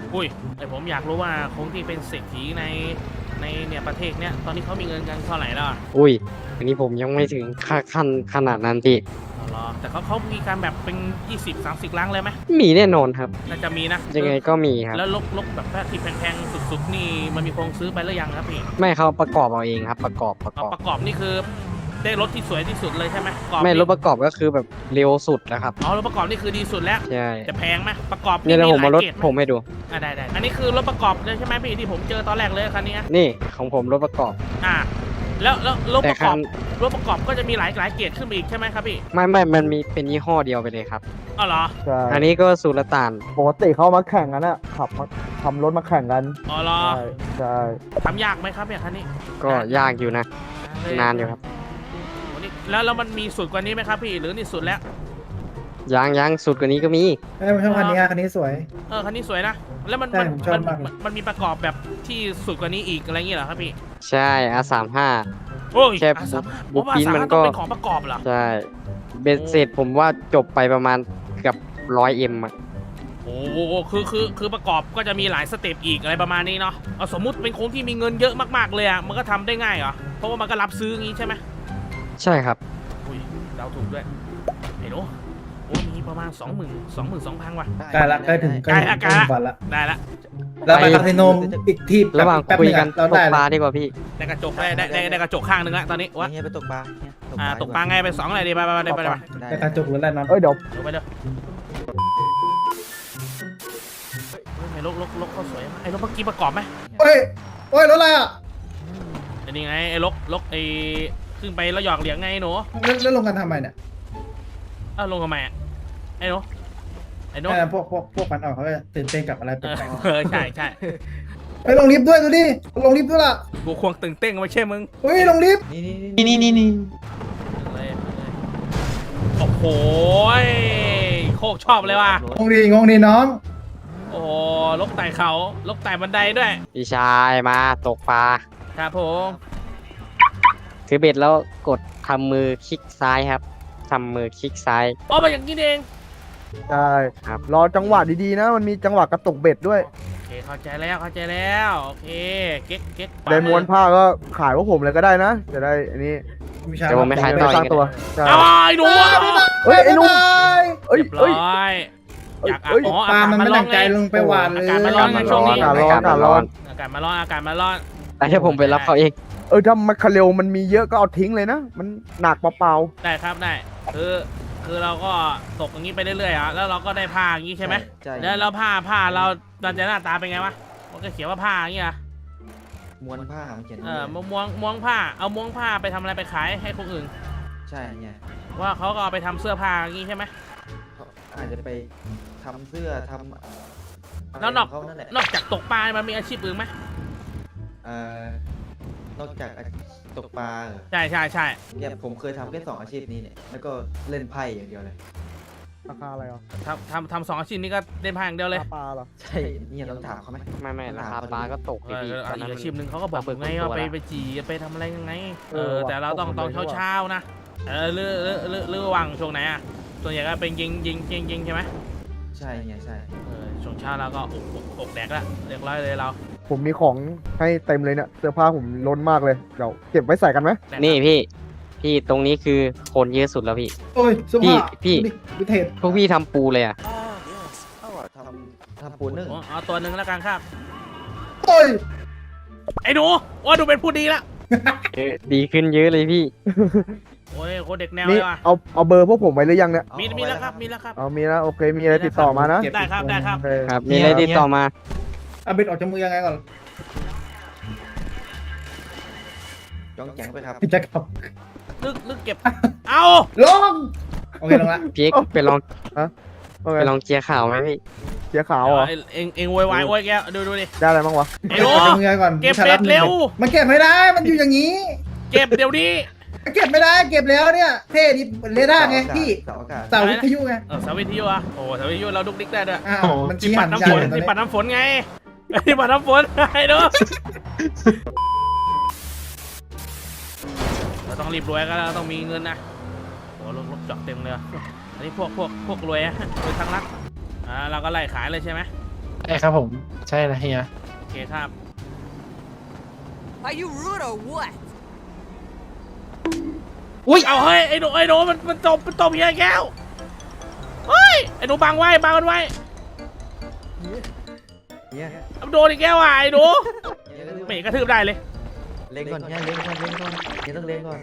Speaker 2: อุ้ยแต่ผมอยากรู้ว่าคงที่เป็นเศรษฐีในในเนี่ยประเทศเนี้ยตอนนี้เขามีเงินกันเท่าไหร่แล้วอะ
Speaker 6: อุ้ยอันนี้ผมยังไม่ถึงค่าขั้นขนาดนั้นพี่
Speaker 2: อ๋อเหรอแต่เขาเขามีการแบบเป็นยี่สิบ สามสิบล้านเลยไหม
Speaker 6: มีแน่นอนครับ
Speaker 2: น่าจะมีนะ
Speaker 6: ยังไงก็มีครับ
Speaker 2: แล้วลกลกแบบที่แพงๆสุดๆนี่มันมีโครงซื้อไปหรือยังครับพี่
Speaker 6: ไม่เขาประกอบเอาเองครับ ประกอบประก
Speaker 2: เอา
Speaker 6: อบ
Speaker 2: ประกอบนี่คือได้รถที่สวยที่สุดเลยใช่ไหมประกอบ
Speaker 6: ไม่
Speaker 2: นี่
Speaker 6: รถประกอบก็คือแบบเร็วสุดแล้วครับ
Speaker 2: อ๋อรถประกอบนี่คือดีสุดแล้ว
Speaker 6: ใช่
Speaker 2: จะแพงไหมประกอบ
Speaker 6: เนี่ยเดี๋ยวผมมารถ
Speaker 2: หลยกดไห
Speaker 6: ผมให้ดู
Speaker 2: อ่ะได้ได้อันนี้คือรถประกอบเลยใช่ไหมพี่ที่ผมเจอตอนแรกเลยคันนี้
Speaker 6: นี่ของผมรถประกอบ
Speaker 2: อ่าแล้วแล้วรถ
Speaker 6: แต่
Speaker 2: ประก
Speaker 6: คั
Speaker 2: อบ
Speaker 6: น
Speaker 2: รถประกอบก็จะมีหลายหลายเกรดขึ้นมาอีกใช่ไหมครับพี่
Speaker 6: ไม่ไม่มันมีเป็นยี่ห้อเดียวไปเลยครับ
Speaker 2: อ๋อเหรอ
Speaker 4: ใช่
Speaker 6: อันนี้ก็สุลต่าน
Speaker 4: ปกติเขามาแข่งกันอะขับมาทำรถมาแข่งกัน
Speaker 2: อ๋อเหรอ
Speaker 4: ใช่ใช่
Speaker 2: ทำยากไหมครับเนี่ยคันนี้
Speaker 6: ก็ยากอยู่นะ นานอยู่ครับ
Speaker 2: โอ้นี่แล้วแล้วมันมีสุดกว่านี้ไหมครับพี่หรือนี่สุดแล้ว
Speaker 6: ยางยางสุดกว่านี้ก็มี
Speaker 9: เอ้ยผมชอบคันนี้อะคันนี้สวย
Speaker 2: เออคันนี้สวยนะแล้วมัน
Speaker 9: ใช่
Speaker 2: มัน
Speaker 9: ผมชอบ
Speaker 2: มัน
Speaker 9: มากเลย
Speaker 2: มันมันมีประกอบแบบที่สุดกว่านี้อีกอะไรอย่างเงี้ยเหรอครับพี่
Speaker 6: ใช่ อาร์ สามสิบห้า
Speaker 2: โอ้ย
Speaker 6: แค่
Speaker 2: อาสามารถ
Speaker 6: บุ๊
Speaker 2: ผม
Speaker 6: ค
Speaker 2: ว่า
Speaker 6: ปิ้น
Speaker 2: สามารถ
Speaker 6: มัน
Speaker 2: ต้
Speaker 6: ก็
Speaker 2: องเป็นของประกอบเหรอ
Speaker 6: ใช่เบสเสร็จผมว่าจบไปประมาณเกือบร้อยเอ็มอะ
Speaker 2: โอ้โหคือคือคือประกอบก็จะมีหลายสเต็ปอีกอะไรประมาณนี้เนาะเอาสมมุติเป็นคนที่มีเงินเยอะมากๆเลยอ่ะมันก็ทำได้ง่ายเหรอเพราะว่ามันก็รับซื้ออย่างงี้ใช่ไหม
Speaker 6: ใช่ครับ
Speaker 2: อุ้ยเราถูกด้วยไอ้หนูโอ้ยมีประมาณสองหมื่นสองหมื่นสองพันว่ะ
Speaker 9: ใกล้ละใกล้ถึงใกล้ถึง
Speaker 2: ใกล้
Speaker 9: ใกล้
Speaker 2: ละ
Speaker 9: ถึงฝันละ
Speaker 2: ได้ละ
Speaker 9: แล้วไปคาสิโนอีกที่
Speaker 6: ระหว่าง
Speaker 9: แป๊บ
Speaker 6: คุย
Speaker 9: นึง
Speaker 6: กั
Speaker 9: อะ
Speaker 6: น
Speaker 9: เรา
Speaker 6: ตก
Speaker 9: ได้
Speaker 6: ปลา
Speaker 9: ละ
Speaker 6: ดีกว่าพี่
Speaker 2: ได้กระจกได้ได้ได้ได้กระจกข้างนึงละตอนนี้วะ
Speaker 1: เฮียไปตกปลาเฮีย
Speaker 2: อ่าตกปลาไงไปสองอะไรดีไปไปไปไปไปไป
Speaker 9: ไปกระจกหรืออะไรนอน
Speaker 4: เอ้ยเดี๋ยว
Speaker 2: ลงไปเลยเฮ้ยไอ้ลกลกลกเขาสวยมากไอ้ลกเมื่อกี้ประกอบไหม
Speaker 9: เฮ้ยโอ้ยรถอะไรอ่ะ
Speaker 2: ไอ้นี่ไงไอ้ลกลกไอ้ขึ้นไปแล้วหยอกเหลียงไงหนู
Speaker 9: แล้วแล้วลงกันทำไมเนี่ย
Speaker 2: เอ้าลงทำไมอ่ะไอ้หนูไอ้หนู
Speaker 9: ไอ้พวกพวกพวกมันออกเขาจะตื่นเต้นกับอะไร
Speaker 2: เอ
Speaker 9: แปล
Speaker 2: อก เออใช่ใช่
Speaker 9: ๆไปลงลิฟต์ด้วยดูดิลงลิฟต์ด้วยล่ะ
Speaker 2: กูควงตึงเต้งไม่ใช่มึง
Speaker 9: เฮ้ยลงลิฟต์
Speaker 1: นี่นี่
Speaker 8: นี่นี่นี่นี่
Speaker 2: เลยเลยโอ้โหยโคกชอบเลยว่ะ
Speaker 9: งงดีงงดีน้อง
Speaker 2: โอ้โหลกไต่เขาลกไต่บันไดด้วย
Speaker 6: พี่ชายมาตกปลา
Speaker 2: ครับผม
Speaker 6: ถือเบ็ดแล้วกดทำมือคลิกซ้ายครับทำมือคลิกซ้าย
Speaker 2: อ๋อมาอย่างนี้เอง
Speaker 4: ใช่
Speaker 6: ครับ
Speaker 4: รอจังหวะดีๆนะ มันมีจังหวะกระตุกเบ็ดด้วย
Speaker 2: โอเคเข้าใจแล้วเข้าใจแล้วโอเคเก๊กเก๊ก
Speaker 4: ได้ม้วนผ้าก็ขายพวกผมเลยก็ได้นะ จะได้อันนี้
Speaker 9: วิชา
Speaker 6: เดี๋ยวผมไปขาย
Speaker 4: ไม่
Speaker 6: ต่อ
Speaker 4: สร้าง
Speaker 6: อีก
Speaker 4: ตัวใช่
Speaker 2: เอาไอ้หนูอะ
Speaker 4: เฮ้ยไอ้หนุ่มเอ้ย
Speaker 2: เรียบร้
Speaker 4: เอ้ย
Speaker 2: อยอยาก
Speaker 4: เอ้ย
Speaker 2: อ๋อ
Speaker 9: ปลา
Speaker 2: อากาศ
Speaker 9: มัน
Speaker 2: มา
Speaker 9: ไม่
Speaker 2: ร้อ
Speaker 9: ตั้
Speaker 2: น
Speaker 9: ง
Speaker 2: ไง
Speaker 9: ใจลงไปหวานเลย
Speaker 2: อากาศมันร้อนไงช่วงนี้
Speaker 4: อากาศร้อนอากาศร้อน
Speaker 2: อากาศมาร้อนอากาศมาร้อน
Speaker 6: แต่ถ้าผมไปรับเขาเอง
Speaker 4: เออถ้ามันคาเร็วมันมีเยอะก็เอาทิ้งเลยนะ มันหนักเปล่า
Speaker 2: ได้ครับได้คือคือเราก็ตกอย่างนี้ไปเรื่อยๆอ่ะแล้วเราก็ได้ผ้าอย่างนี้ใช่ไหม
Speaker 1: ใช่
Speaker 2: แล้วแล้วผ้าผ้าเราเราจะหน้าตาเป็นไงวะมันก็เขียนว่าผ้าอย่างนี้อ่ะ
Speaker 1: ม้วนผ้ามันเขียน
Speaker 2: เออม้วนม้วนผ้าเอาม้วนผ้าไปทำอะไรไปขายให้คนอื่น
Speaker 1: ใช่เนี่ย
Speaker 2: ว่าเขาก็เอาไปทำเสื้อผ้าอย่างนี้ใช่ไหม
Speaker 1: เขาอาจจะไปทำเสื้อทำอะไร
Speaker 2: แล้วนอก
Speaker 1: ของเขานั่นแหละ
Speaker 2: นอกจากตกปลา มันมีอาชีพอื่นไหม
Speaker 1: เอ่อนอกจากอาชีพตกปลาเหรอ
Speaker 2: ใช่ใช่ใช่
Speaker 1: เนี่ยผมเคยทำแค่สองอาชีพนี้เนี่ยแล้วก็เล่นไพ่อย่างเดียวเลย
Speaker 4: ๆราคาอะไรอ่ะ
Speaker 2: ทำทำทำสองอาชีพนี้ก็เล่นผ้าอย่างเดียวเลย
Speaker 4: ราคาปลาเหรอ
Speaker 1: ใช่เนี่ยต้องถามเขาไหม
Speaker 6: ไม่ไม่ราคาปลาก็ตก
Speaker 2: เอ
Speaker 6: พี่
Speaker 2: อ
Speaker 6: ตอนนั้
Speaker 2: อี
Speaker 6: น
Speaker 2: กอาชีพหนึ่งเขาก็บอกผมไงว่าไปไปจีไปทำอะไรยังไง เอ
Speaker 4: เอ
Speaker 2: อ
Speaker 4: อว่ะ
Speaker 2: แต่เราต้อง
Speaker 4: ต
Speaker 2: ต
Speaker 4: ก
Speaker 2: อน
Speaker 4: เลย
Speaker 2: เช้าเช้าๆนะ เออเรือเรือเรือเรือวังช่วงไหนอ่ะ ส่วนใหญ่ก็เป็นยิงยิงยิงยิงใช่ไหม
Speaker 1: ใช่เนี่ยใช่
Speaker 2: เออช่วงเช้าเราก็อกอกอกแดกละเรียบร้อยเลยเรา
Speaker 4: ผมมีของให้เต็มเลยเนี่ยเสื้อผ้าผมล้นมากเลยเดี๋ยวเก็บไว้ใส่กันไหม
Speaker 2: แดกละ
Speaker 6: นี่พี่ พี่ตรงนี้คือคนเยอะสุดแล้วพี่
Speaker 9: โอ้ยเสื้อผ้า
Speaker 6: พี่
Speaker 9: วิเทศ
Speaker 6: พวกพี่ทำปูเลยอ่ะ
Speaker 1: เอาอะทำทำปูนึ่ง
Speaker 2: โอ้เอาตัวหนึ่งแล้วกันครับ
Speaker 9: โอ้ย
Speaker 2: ไอ้หนูว่าดูเป็นผู้ดีละ
Speaker 6: เออดีขึ้นเยอะเลยพี่
Speaker 2: โอ้ยโคตรเด็กแนว
Speaker 4: นี่
Speaker 2: เลยว่ะ
Speaker 4: เอาเอาเบอร์พวกผมไว้หรือยังเนี่ย
Speaker 2: มีมีแล้วครับ มีแล้วครับ
Speaker 4: เอามีนะโอเคมีอะไรติดต่อมานะ
Speaker 2: ได้ครับได้ครับ
Speaker 4: โอเค
Speaker 6: ครับ มีอะไรติดต่อมา
Speaker 9: เอาเบ็ดออกจากมือยังไงก่อน
Speaker 1: จ้องแจงไปครับ
Speaker 9: จะขับ
Speaker 2: ลึกลึกเก็บ เอา
Speaker 9: ลงโอเคลงละ
Speaker 6: พี่เอ็กซ์ไปลอง
Speaker 4: โอเค
Speaker 6: ไปลองเจียร์ข่าวไหมพี่
Speaker 4: เสียขาวเหรอ
Speaker 2: เอ็งเอ็งเอ็งโวยวายโวยแกดูดูดิ
Speaker 4: ได้อะไรบ้างวะ
Speaker 2: ไอ้
Speaker 9: เบ็ด
Speaker 2: หนู
Speaker 9: ออกจากมือยังไงก่อน
Speaker 2: เก็บเบ็ดเร็ว
Speaker 9: มันเก็บไม่ได้มันอยู่อย่างนี้
Speaker 2: เก็บเดี๋ยวนี้
Speaker 9: เก็บไม่ได้เก็บแล้วเนี่ยเท่ดิเรดาร์ไงพี่
Speaker 1: เสาอากาศ
Speaker 9: เสาวิทยุไง
Speaker 2: เออสาวิทยุอ่ะโอ้สาวิทยุเราดุกดิกได้ด้วย
Speaker 9: อ้าวมัน
Speaker 2: ที่
Speaker 9: ชี้
Speaker 2: ปั
Speaker 9: หั
Speaker 2: ด
Speaker 9: น
Speaker 2: น้ำ
Speaker 9: ยา
Speaker 2: ฝ
Speaker 9: น
Speaker 2: น
Speaker 9: เลยตอน
Speaker 2: ที่
Speaker 9: นี้
Speaker 2: ปัดน้ำฝนไงที่ปัดน้ำฝนไอ้หนูเราต้องรีบรวยก็เราต้องมีเงินนะโอ้รถรถจอดเต็มเลยอะอันนี้พวกพวกพวกรวยอะรวยทางรัฐอ่าเราก็ไล่ขายเลยใช่ไหม
Speaker 8: ใช่ครับผม ใช่นะเฮีย
Speaker 2: โอเคครับ
Speaker 10: Are you rude or what?
Speaker 8: อุ้ย
Speaker 2: เอาเฮ้ยไอ้หนูไอ้หนูมันมันตบมันตบเฮียแก้วเฮ้ยไอ้หนูบังไว้บังมันไว้
Speaker 1: เฮีย
Speaker 2: เอาโดนอีกแก้วอ่ะไอ้หนูไม่เห็นกระทืบได้เลย
Speaker 1: เล็งก่อนเฮียเล็งก่อนเล็งก่อนเฮียต้องเล็งก่อน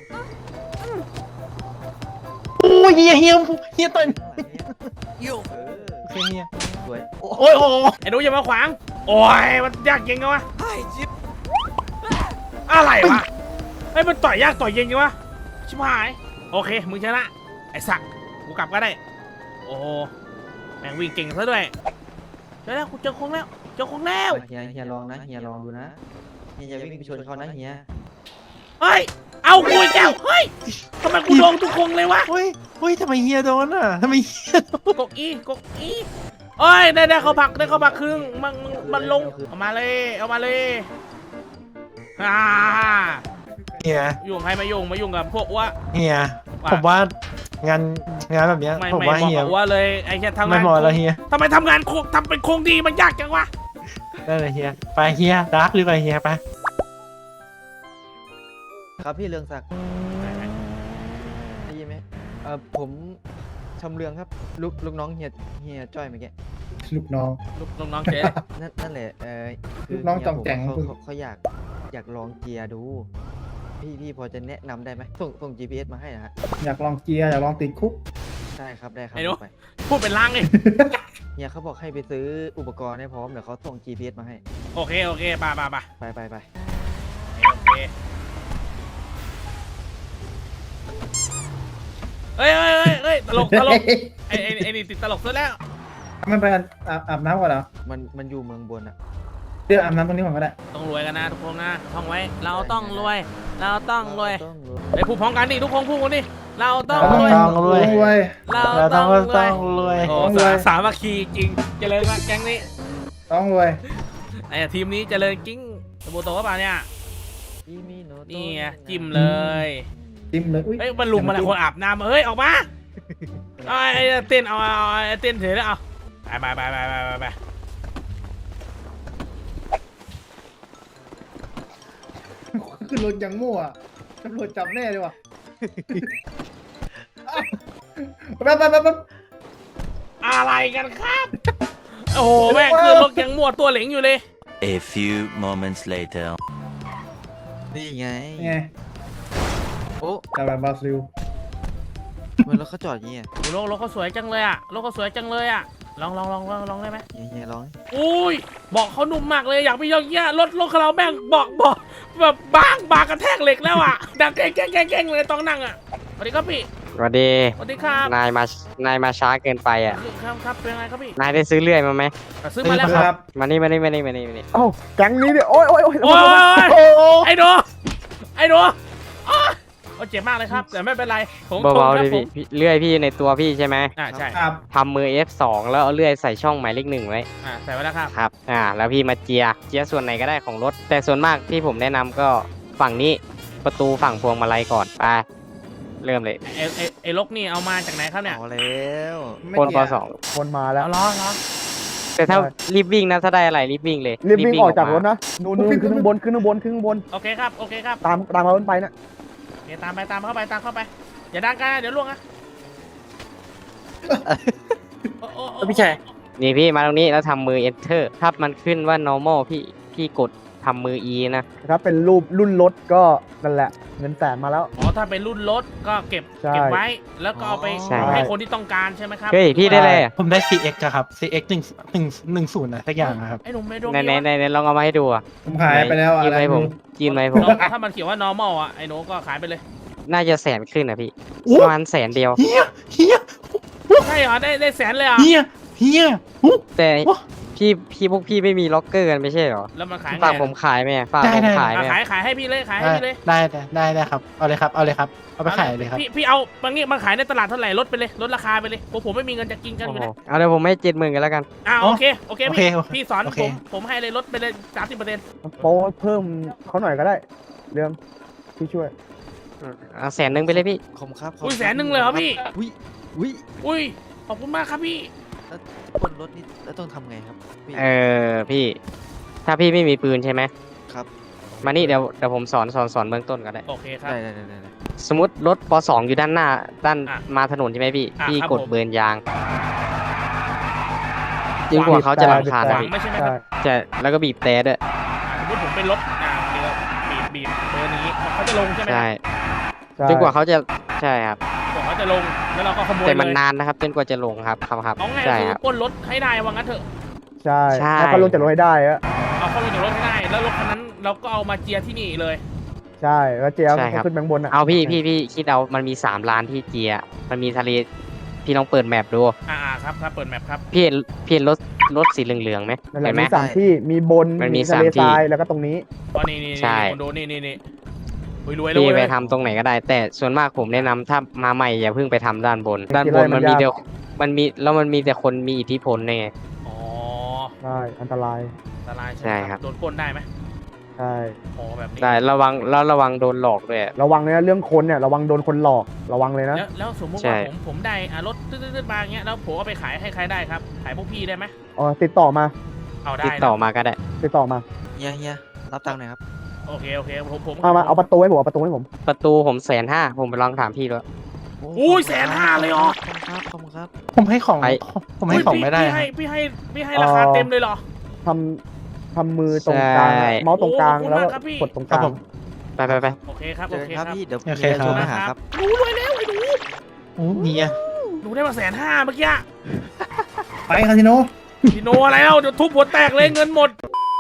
Speaker 8: โอ้ยเฮียเฮียเฮียต่อย
Speaker 10: You.
Speaker 1: เออ
Speaker 8: โอเคเฮีย
Speaker 1: สวย
Speaker 8: โอ้ยโอ้ย
Speaker 2: ไอ้หนูอย่ามาขวางโอ้ยมันยากเย็นกันวะ
Speaker 10: Hi, Jim.
Speaker 2: อะไรวะไอ้ยมันต่อยยากต่อยเย็นกันวะชิบหายโอเคมึงชนะไอ้สักกูกลับก็ได้โอ้โหแม่งวิ่งเก่งซะด้วยเจอแล้วกูเจอคงแล้วเจอคงแล้ว
Speaker 1: เฮียเฮียลองนะเฮียลองดูนะเฮียอย่าวิ่งไปชนเขานะเฮีย
Speaker 2: เฮ้ยเอากูอีกแล้วเฮ้ยทำไมกูโดนทุกคงเลยวะ
Speaker 8: เฮ้ยเฮ้ยทำไมเฮียโดนอ่ะทำไมเฮียโดน
Speaker 2: กกอีกกอีเอ้ยได้ได้เขาผักได้เขาผักครึ่งมันมันมันลงเอามาเลยเอามาเลยอ่า
Speaker 8: เฮีย
Speaker 2: ยุ่งใครมายุ่งมายุ่งกับพวกว่า
Speaker 8: เฮีย
Speaker 2: ว่า
Speaker 8: ผมว่างานงานแบบเนี้ย
Speaker 2: ไม่
Speaker 8: ผม
Speaker 2: ไม่
Speaker 8: ว่า
Speaker 2: บอก
Speaker 8: เฮีย
Speaker 2: กับว่าเลยไอ้แค่ทำ
Speaker 8: ไม่
Speaker 2: งาน
Speaker 8: เหมาะแล้วเฮีย
Speaker 2: ทำไมทำงานโคกทำเป็นโคงดีมันยากจังวะ
Speaker 8: ได้เลยเฮียไปเฮียดาร์กหรือไปเฮียไป
Speaker 1: ครับพี่เรืองศักดิ์ได้ยินไหมเออผมชำเรืองครับลูกลูกน้องเฮียเฮียจ้อยเมื่อกี้
Speaker 9: ลูกน้อง
Speaker 2: ลูกน้องๆเจ๊
Speaker 1: นั่นนั่นแหละเออคื
Speaker 9: ลูกน้อง
Speaker 1: เฮีย
Speaker 9: จองแจ๋ง
Speaker 1: ผมเขาเขาเขาอยากอยากลองเกียร์ดู พี่พี่พอจะแนะนำได้ไหมส่งส่ง จี พี เอส มาให้นะฮะ
Speaker 9: อยากลองเกียร์อยากลองติดคุก
Speaker 1: ได้ครับได้ครับ
Speaker 2: ไอ้หนู
Speaker 1: ไป
Speaker 2: พูดเป็นล่างเลย
Speaker 1: เฮียเขาบอกให้ไปซื้ออุปกรณ์ให้พร้อมเดี๋ยวเขาส่ง จี พี เอส มาให้
Speaker 2: โอเคโอเคไปไปไป
Speaker 1: ไปไปไป
Speaker 2: โอเคเฮ้ยเฮ้ยเฮ้ยเฮ้ยตลกตลกไอ้ไอ้ไอ้นี่ติดตลกซะแล้ว
Speaker 9: มันไปอาบอาบน้ำก่อนเหรอ
Speaker 1: มันมันอยู่เมืองบนอะ
Speaker 9: เดี๋ยวอาบน้ำตรงนี้ก่อนก็ได้
Speaker 2: ต้องรวยกันนะทุกคนนะท่องไว้ เราต้องรวย เราต้องรวย
Speaker 1: ต้องรวย
Speaker 2: ไปพูดพร้อมกันดิทุกคนพูดกันดิเราต้อง
Speaker 9: เรา
Speaker 2: รวย
Speaker 8: ต้องรวย
Speaker 9: รวย
Speaker 2: เรา
Speaker 8: เรา
Speaker 2: ต้
Speaker 8: ต้
Speaker 2: อ
Speaker 8: อง ง
Speaker 2: รว
Speaker 8: ต้
Speaker 2: ย
Speaker 8: องรวย
Speaker 2: โอ้
Speaker 9: ต้องรวย
Speaker 2: สาสามัคคีจริงเจริญมากแก๊งนี้
Speaker 9: ต้องรวย
Speaker 2: ไอ้ทีมนี้เจริญกิ้งสบู่โตก็เปล่าเนี่ย
Speaker 1: อีมิโนโตะ
Speaker 2: นี่ไงจิ้มเลย
Speaker 9: จิ้มเลยอุ้ย
Speaker 2: เฮ้ยมันลุมมาแล้วคนอาบน้ำเฮ้ยออกมาเอาไอ้เต้นเอาเอาไอ้เต้นเฉยแล้วเอาไปไปไปไปไปไป
Speaker 9: ขึ้นรถยังมั่วตำรวจจับแน่เลยว่ะแป๊บแป๊บแป๊บแป๊บ
Speaker 2: อะไรกันครับ โอ้โหแม่งคือรถยังมั่วตัวเหลงอยู่เลย
Speaker 5: A few moments later.
Speaker 1: นี่ไง
Speaker 9: ไง
Speaker 1: โอ้
Speaker 9: จับแบบบราซิล
Speaker 1: มันรถเขาจอดอย่างเงี้ย
Speaker 2: โอ้โหรถรถเขาสวยจังเลยอ่ะรถเขาสวยจังเลยอ่ะลองลองลองลองลองได้ไหม
Speaker 1: เฮียเฮียร้อง
Speaker 2: อุ้ยบอกเขานุ่มมากเลยอยากไปยองเงี้ยรถรถของเราแม่งบอกบอกแบบบางบางกระแทกเหล็กแล้วอ่ะดังแกล้งแกล้งแกล้งแกล้งเลยต้องนั่งอ่ะสวัสดีครับพี่
Speaker 6: สวัสดี
Speaker 2: สวัสดีครับ
Speaker 6: นายมานายมาช้าเกินไปอ่ะ
Speaker 2: ครับครับเป็นไงครับพี่
Speaker 6: นายได้ซื้อเลื่อยมาไหม
Speaker 2: ซื้อมาแล้ว
Speaker 9: ค
Speaker 2: ค
Speaker 9: รั
Speaker 2: รับบ
Speaker 6: มานี่มานี่มานี่มานี่มานี่
Speaker 4: เอ้าแก๊งนี้เนี่ยโอ้ยโอ้ยโอ้ย
Speaker 2: โอ้ย
Speaker 4: โอ้โอ้
Speaker 2: ไอ้หนูไอ้หนูอ้าวเอาเจ็บมากเลยครับแต่ไม่เป็นไรผม
Speaker 6: เบาๆ
Speaker 2: ค
Speaker 6: ดิ
Speaker 2: รับผ
Speaker 6: พี่
Speaker 2: ม
Speaker 6: พี่เลื่อยพี่ในตัวพี่ใช่ไหม
Speaker 2: อ่าใช่
Speaker 9: ครับ
Speaker 6: ทำมือ เอฟ สอง แล้วเอาเลื่อยใส่ช่องหมายเลขหนึ่งไว้
Speaker 2: อ่าใส่ไว้แล้วครับ
Speaker 6: ครับ อ่า แล้วพี่มาเจีย เจียส่วนไหนก็ได้ของรถ แต่ส่วนมากที่ผมแนะนำก็ฝั่งนี้ประตูฝั่งพวงมาลัยก่อนไปเริ่มเลย
Speaker 2: ไอ้ไอ้ไอ้ลกนี่เอามาจากไหนครับเนี่ย
Speaker 1: เอาแล้ว
Speaker 6: โคนปสอง
Speaker 4: คนมาแล้ว
Speaker 2: เอาล้อล้อ
Speaker 6: แต่ถ้ารีบวิ่งนะถ้าได้อะไรรีบวิ่งเลย
Speaker 4: รีบวิ่งออกจากรถ
Speaker 6: ม
Speaker 4: นะนู่นนู่นขึ้นข้างบนขึ้นข้างบนขึ้นข้างบน
Speaker 2: โอเคครับโอเคครับ
Speaker 4: ตามตามมาบนไปนะ
Speaker 2: โอเคตามไปตามเข้าไปตามเข้าไปอย่าดังกันนะเดี๋ยวล่วงนะโอ้โอ้โอ้
Speaker 6: พี่ชัยนี่พี่มาตรงนี้แล้วทำมือ enter ถ้ามันขึ้นว่า normal พี่พี่กดทำมือ e นะ
Speaker 4: ถ้าเป็นรูปรุ่นรถก็นั่นแหละเงินแสนมาแล้ว
Speaker 2: อ๋อถ้าเป็นรุ่นรถก็เก็บ
Speaker 4: ใช่
Speaker 2: เก็บไว้แล้วก็เอาไป
Speaker 6: ใช่
Speaker 2: ให้คนที่ต้องการใช่ไหมครับ
Speaker 6: เฮ้ยพี่ได้เลยอะ
Speaker 8: ผมได้ ซี เอ็กซ์ อะครับ ซี เอ็กซ์ หนึ่ง หนึ่ง หนึ่งศูนย์นะสักอย่างอะครับ
Speaker 2: ไอ้หนุ่มไม่ดวง
Speaker 6: ใน
Speaker 2: ดี
Speaker 6: ใน
Speaker 2: วะ
Speaker 6: ในในลองเอามาให้ดูอ่ะ
Speaker 9: ผมขายไปแล้ว
Speaker 6: จี
Speaker 9: อะ
Speaker 6: น
Speaker 9: ไร
Speaker 6: ไหม
Speaker 9: ไม่
Speaker 6: ผ
Speaker 9: รู้
Speaker 6: มจีนไหมผม
Speaker 2: น้องถ้ามันเขียนว่า normal อ่ะไอ้หนูก็ขายไปเลย
Speaker 6: น่าจะแสนขึ้นนะพี่
Speaker 8: โอ้
Speaker 6: ประมาณแสนเดียว
Speaker 8: เฮียเฮีย
Speaker 2: ใช่เหรอได้ได้แสนเลยเหรอ่ะ
Speaker 8: เฮียเฮียหู
Speaker 6: แต่
Speaker 8: โอ้
Speaker 6: พี่พี่พวกพี่ไม่มีล็อกเกอร์กันไม่ใช่เหรอ
Speaker 2: แล้วมันขายไง
Speaker 6: ฝากผมขายไหมอะฝาก
Speaker 8: ได้
Speaker 6: ผม
Speaker 8: ได้
Speaker 6: ขายไหม
Speaker 2: อ่ะ
Speaker 6: อะ
Speaker 2: ขายขายให้พี่เลยขายให้
Speaker 8: ได้
Speaker 2: พี่เลย
Speaker 8: ได้ได้ได้ได้ครับเอาเลยครับเอาเลยครับเอาไปขายเลยครับ
Speaker 2: พี่พี่เอาบางงี้มันขายในตลาดเท่าไหร่ลดไปเลยลดราคาไปเลยผมผมไม่มีเงินจะกินกัน
Speaker 6: โอ้
Speaker 2: อยู่
Speaker 6: โห
Speaker 2: นะ
Speaker 6: เอาเดี๋ยวผมให้เจ็ดหมื่นกันแล้วกัน
Speaker 2: อ่าโอเคโอเค
Speaker 8: โอเค
Speaker 2: พี่
Speaker 8: โอเค
Speaker 2: พี่สอน
Speaker 8: โอเค
Speaker 2: ผมผมให้เลยลดไปเลยสามสิบเปอร์เซ็นต์
Speaker 4: โปรเพิ่มเขาหน่อยก็ได้เรื่องพี่ช่วย
Speaker 6: เอาแสนหนึ่งไปเลยพี่
Speaker 1: ขอบคุณครับขบ
Speaker 2: อุ้ย
Speaker 1: คุณ
Speaker 2: แสนหนึ่งเลยเหรอพี่
Speaker 1: อุ้ยอุ้ย
Speaker 2: อุ้ยขอบคุณมากครับพี่
Speaker 1: แล้วจะปล้นรถนี่แล้วต้องทำไงครับพี่
Speaker 6: เออพี่ ถ้าพี่ไม่มีปืนใช่ไหม
Speaker 1: ครับ
Speaker 6: มานี่เดี๋ยวเดี๋ยวผมสอนสอนสอนเบื้องต้นก็ได้
Speaker 2: โอเคครับ
Speaker 1: ได้ได้ได้ได้ได้
Speaker 6: สมมติรถปสองอยู่ด้านหน้าด้าน
Speaker 2: อ่ะ
Speaker 6: มาถนนใช่ไหมพี่
Speaker 2: อ่ะ
Speaker 6: พี่
Speaker 2: ครับ
Speaker 6: กด
Speaker 2: ผม
Speaker 6: เบิร์นยางจนกว่าเขาจะรำคาญ
Speaker 2: ข
Speaker 6: นะ
Speaker 2: วาง
Speaker 6: พี่
Speaker 2: ไม่ใช่ไหมค
Speaker 4: ใช่
Speaker 2: รับ
Speaker 6: จะแล้วก็บีบแต่ด้วย
Speaker 2: อ่าสมมติผมเป็นรถอ่าเดี๋ยวบีบบีบเบอร์นี้เขาจะลงใช่ไหมค
Speaker 6: ใช่
Speaker 2: รับ
Speaker 4: ใช่
Speaker 6: จนกว่าเขาจะใช่ครับ
Speaker 2: กว่าเขาจะลงแล้วเราก็ขโมย
Speaker 6: แต่มัน
Speaker 2: เลย
Speaker 6: นานนะครับจนกว่าจะลงครับครับครับ
Speaker 2: เอาไง
Speaker 6: ใช่
Speaker 2: คือ
Speaker 6: ครับ
Speaker 2: ปล้นรถให้ได้ว่างั้นเถอะ
Speaker 4: ใช่
Speaker 6: ใช่
Speaker 4: แล้วก็ลงจากรถให้ได้อะ
Speaker 2: เอาเข้าลงจากรถให้ได้แล้วรถคันนั้นเราก็เอามาเจียที่นี่เลย
Speaker 4: ใช่แล้วเจ๊เอา
Speaker 6: ใช่ครับ
Speaker 4: ขึ้นแบงบนอ่ะ
Speaker 6: เอาพี่พี่พี่คิดเอามันมีสามล้านที่เจียมันมีทะเลพี่ลองเปิดแมปดู
Speaker 2: อ่าอ่าครับครับเปิดแมปครับ
Speaker 6: พี่เห็นพี่เห็นรถรถสีเหลืองๆไหม
Speaker 4: นั่นแหละ
Speaker 6: เห็นไหม
Speaker 4: มีสามที่มีบน
Speaker 6: มันมี
Speaker 4: ทะเล
Speaker 6: สามที่
Speaker 4: ทรายแล้วก็ตรงนี้
Speaker 2: อ๋อนี่นี่
Speaker 6: ใช่
Speaker 2: นี่คนดูนี่นี่นี่รวยรวยเลย
Speaker 6: พี่ไป
Speaker 2: เว้ย
Speaker 6: ทำตรงไหนก็ได้ แต่ส่วนมากผมแนะนำถ้ามาใหม่อย่าเพิ่งไปทำด้านบน ด้านบน
Speaker 4: มั
Speaker 6: มัน
Speaker 4: น
Speaker 6: มี
Speaker 4: ยาก
Speaker 6: แต่มันมีแล้วมันมีแต่คนมีอิทธิพลไง
Speaker 2: อ๋อ
Speaker 4: ใช่อันตราย
Speaker 2: อันตรายใช่
Speaker 6: ใช่
Speaker 2: ไหม
Speaker 6: ครับ
Speaker 2: โดนปล้นได้ไหม
Speaker 4: ใช่
Speaker 2: อ๋อแบบนี้
Speaker 6: ได้ระวังแล้วระวังโดนหลอกด้วย
Speaker 4: ระวังนะเรื่องคนเนี่ยระวังโดนคนหลอกระวังเลยนะ
Speaker 2: แล้วแล้วสมมติ
Speaker 6: ใช่
Speaker 2: ว่าผมผมได้อ่ารถตืดๆๆมาอย่างเงี้ยแล้วผมเอาไปขายให้ใครได้ครับขายพวกพี่ได้ไหม
Speaker 4: อ๋อติดต่อมา
Speaker 2: เอาได้
Speaker 6: ติด
Speaker 2: นะ
Speaker 6: ต่อมาก็ได้
Speaker 4: ติดต่อมา
Speaker 1: เฮียเฮียรับตังค์หน่อยครับ
Speaker 2: โอเคโอเคผมผม
Speaker 4: เอามาเอาประตูให้ผมเอาประตูให้ผม
Speaker 6: ประตูผมแสนห้าผมไปลองถามพี่แล้ว
Speaker 2: อุ้ยแสนห้าเลยเหรอ
Speaker 1: ขอบคุณครับขอบคุณครับ
Speaker 8: ผมให้ของ
Speaker 6: ไป
Speaker 8: ผมให้ของไม่ได้
Speaker 2: พี่ให้พี่ให้พี่ให้ราคาเต็มเลยเหรอ
Speaker 4: ทำทำมือตรงกลาง
Speaker 6: ใช่
Speaker 4: เมาส์ตรงกลาง
Speaker 2: โอ้ขอบคุณ
Speaker 4: แล้ว
Speaker 2: มากครับพี่
Speaker 4: กดตรงก
Speaker 8: ครับ
Speaker 4: ลาง
Speaker 8: ผม
Speaker 6: ไปไปไป
Speaker 2: โอเคครับ
Speaker 1: เจ
Speaker 2: โอ
Speaker 1: อ
Speaker 2: เค
Speaker 1: ค
Speaker 2: ค
Speaker 1: รั
Speaker 2: รั
Speaker 1: บบ พี่เดี๋ยว
Speaker 8: โอเค
Speaker 1: มีอะไร
Speaker 8: ครับ
Speaker 1: โทรมาหาครับ
Speaker 2: หนูรวยแล้วไอ้หนู
Speaker 8: โอ้เฮีย
Speaker 2: หนูได้มาแสนห้าเมื่อกี้
Speaker 9: ไปคาสิโน
Speaker 2: พี่โนอะไรแล้วเดี๋ยวทุบหัวแตกเลยเงินหมด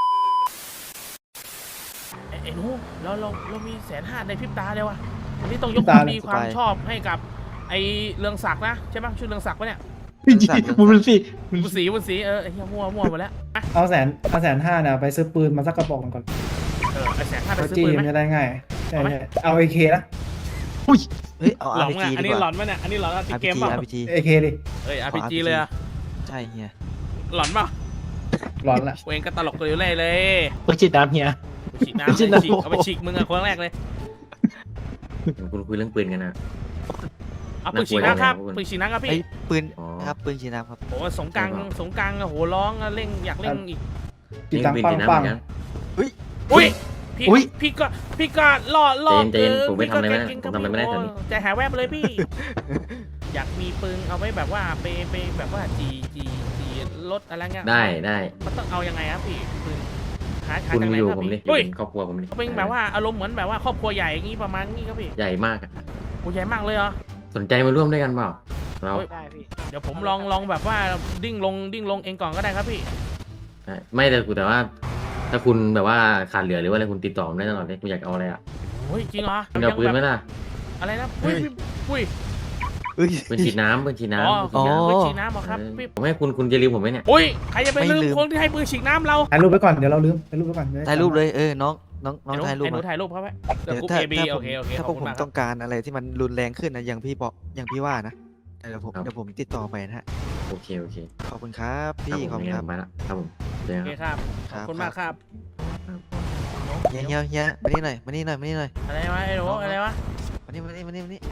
Speaker 2: ไอ้ไอ้หนูเราเราเรามีแสนห้าในพริบตาเลยวะวันนี้ต้องยกความดีความชอบให้กับไอ้เรืองศักดิ์นะใช่ไหมชื่อเรืองศักดิ์ปะเนี่ย
Speaker 8: บุญสิบุญ
Speaker 2: บุญศรีบุญศรีเออไอ้เหี้ยมั่วมั่วหมดแล้วอ่ะ
Speaker 9: เอาแสนเอาแสนห้าเนี่ยไปซื้อปืนมาสักกระบอกหนึ่งก่อน
Speaker 2: เออไอ้แสนห้าไป
Speaker 9: ตัว
Speaker 2: ซื้อ
Speaker 9: จี้
Speaker 2: ปืนไหม
Speaker 9: มันจะได้ง่ายใช่
Speaker 2: เอาไหม
Speaker 9: ใช่เอาเอเคนะ
Speaker 1: เฮ้ยเอา
Speaker 2: หล
Speaker 1: อา
Speaker 2: อน
Speaker 1: ร์พี
Speaker 2: อ่ะ
Speaker 1: จี
Speaker 2: อัน
Speaker 1: ดี
Speaker 2: นี้
Speaker 1: ก
Speaker 2: หลอ
Speaker 1: ว่าน
Speaker 2: ไหมเนี่ยอันนี้หลอนติด
Speaker 1: อาร์
Speaker 2: เก
Speaker 1: พี
Speaker 2: ม
Speaker 1: จี
Speaker 2: เปล่า
Speaker 1: อาร์พีจี
Speaker 9: เอเคดิ
Speaker 2: เอ้ย อาร์ พี จี เลยอะ
Speaker 1: ใช่เฮีย
Speaker 2: หลอนเปล่า
Speaker 9: ร้อนละ
Speaker 2: เวงก็ตลกตัวอยู่เลยเลย
Speaker 8: เปิดจิตน้ำเฮีย
Speaker 2: ฉีกน้ำ
Speaker 8: ฉี
Speaker 2: เลย
Speaker 8: ดน้ำ
Speaker 2: ฉีกเอาไปฉีกมึงอะคนแรกเลย
Speaker 7: คุณคุยเรื่องปืนกันนะ
Speaker 2: เอาปืนฉีกน้ำครับ
Speaker 7: น่ากลัวจังเลย
Speaker 2: ปืนฉีกน้ำครับ
Speaker 1: ไอ้
Speaker 2: พี่
Speaker 1: ปืน
Speaker 7: อ๋อ
Speaker 1: ครับปืนชีน้ำครับ
Speaker 2: โอ้สงกรารสงกรารโอ้โหร้องอะเร่งอยากเร่งอีก
Speaker 9: ติดตัง
Speaker 7: ปืน
Speaker 9: ปัง
Speaker 7: จีน้ำ
Speaker 9: ปั
Speaker 7: เห
Speaker 9: ง
Speaker 7: มือนกัน
Speaker 2: อุ้ย พี่
Speaker 8: อุ๊ย
Speaker 2: พี่ก็พี่ก็ล่อล่อ
Speaker 7: เจนเจนผมไม่ทำอะไรไม่ได้
Speaker 2: พี่
Speaker 7: ผมทำอะไรไม่ได้
Speaker 2: โ
Speaker 7: ตอนนี้
Speaker 2: ใจหายแวบเลยพี่ อยากมีปืนเอาไว้แบบว่าไปไปแบบว่าจีจีจีรถอะไรเงี้ย
Speaker 7: ได้ได้
Speaker 2: มันต้องเอายังไงครับพี่ปืนหาหา
Speaker 7: คุณ
Speaker 2: จากไหน
Speaker 7: อยู่
Speaker 2: ครับ
Speaker 7: ผมดิ
Speaker 2: พี่
Speaker 7: อยู่
Speaker 2: อุ้ย
Speaker 7: เป็นครอบครัวผมดิ
Speaker 2: เป็นแบบว่าอารมณ์เหมือนแบบว่าครอบครัวใหญ่อย่างงี้ประมาณนี้ครับพี่
Speaker 7: ใหญ่มากอะ
Speaker 2: โอ้ใหญ่มากเลยเหรอ
Speaker 7: สนใจมาร่วมด้วยกันเปล่าเรา
Speaker 2: เฮ้ย เดี๋ยวผมลองลองแบบว่าดิ้งลงดิ้งลงเองก่อนก็ได้ครับพี่
Speaker 7: ไม่แต่กูแต่ว่า ถ้าคุณแบบว่าขาดเหลือหรือว่าอะไรคุณติดต่อผมได้ตลอดเลยคุณอยากเอาอะไรอ่ะ
Speaker 2: โอ้ยจริงเหรอ
Speaker 7: คุณเอาปืนไหม
Speaker 2: แบบ
Speaker 7: ล่ะ
Speaker 2: อะไรนะอุ้ยอุ้ย
Speaker 1: เอ้ย
Speaker 7: ปืนฉีดน้ำปืนฉีด
Speaker 2: อ๋
Speaker 7: น้ำ
Speaker 2: อ
Speaker 7: ปืนฉีดน้
Speaker 2: ปืนฉีดน้ำเหรอครับ
Speaker 7: ำ
Speaker 2: พี่
Speaker 7: ผมให้คุณคุณจะลืมผมไหมเนี่ย
Speaker 2: อุ้ยใครจะไป
Speaker 1: ไม่
Speaker 2: ลืม
Speaker 1: ลืม
Speaker 2: คนที่ให้ปืนฉีดน้ำเรา
Speaker 9: ถ่ายรูปไว้ก่อนเดี๋ยวเราลืมถ่ายรูปไว้ก่อน
Speaker 1: ถ่ายรูปเลยเออน้องน้องน้อง
Speaker 2: ไอ้หนู
Speaker 1: ถ่ายรูป
Speaker 2: ไอ้หนู
Speaker 1: มา
Speaker 2: ถ่ายรูปเขาไว้เดี๋ยว
Speaker 1: เดี๋ยว
Speaker 2: กู
Speaker 1: ถ้า
Speaker 2: เอบี
Speaker 1: ถ้าผ
Speaker 2: โอ
Speaker 1: ม
Speaker 2: เคโอเค
Speaker 1: ถ้า
Speaker 2: ข
Speaker 1: พ
Speaker 2: อ
Speaker 1: ว
Speaker 2: บ
Speaker 1: ก
Speaker 2: คุ
Speaker 1: ผ
Speaker 2: ณ
Speaker 1: ม
Speaker 2: มากค
Speaker 1: ต้
Speaker 2: รับ
Speaker 1: องการอะไรที่มันรุนแรงขึ้นนะอย่างพี่บอกอย่างพี่ว่านะเดี๋ยวผม
Speaker 2: ไอ้หนู
Speaker 1: เดี๋ยวผมติดต่อไปนะฮะ
Speaker 7: โอเคโอเค
Speaker 1: ขอบคุณครับพี่ขอบคุณ
Speaker 7: ค
Speaker 1: ค
Speaker 7: รั
Speaker 1: รั
Speaker 7: บบ ผมไปละครับผมเจอ
Speaker 2: โอ
Speaker 7: กัน
Speaker 2: เค
Speaker 7: ครับ
Speaker 2: ครับขอบคุณมากครับ
Speaker 1: เฮียเฮียเฮียมานี่หน่อยมานี่หน่อยมานี่หน่อย
Speaker 2: อะไรวะไอ้หนูอะไรวะ
Speaker 1: มานี่มานี่มานี่มานี่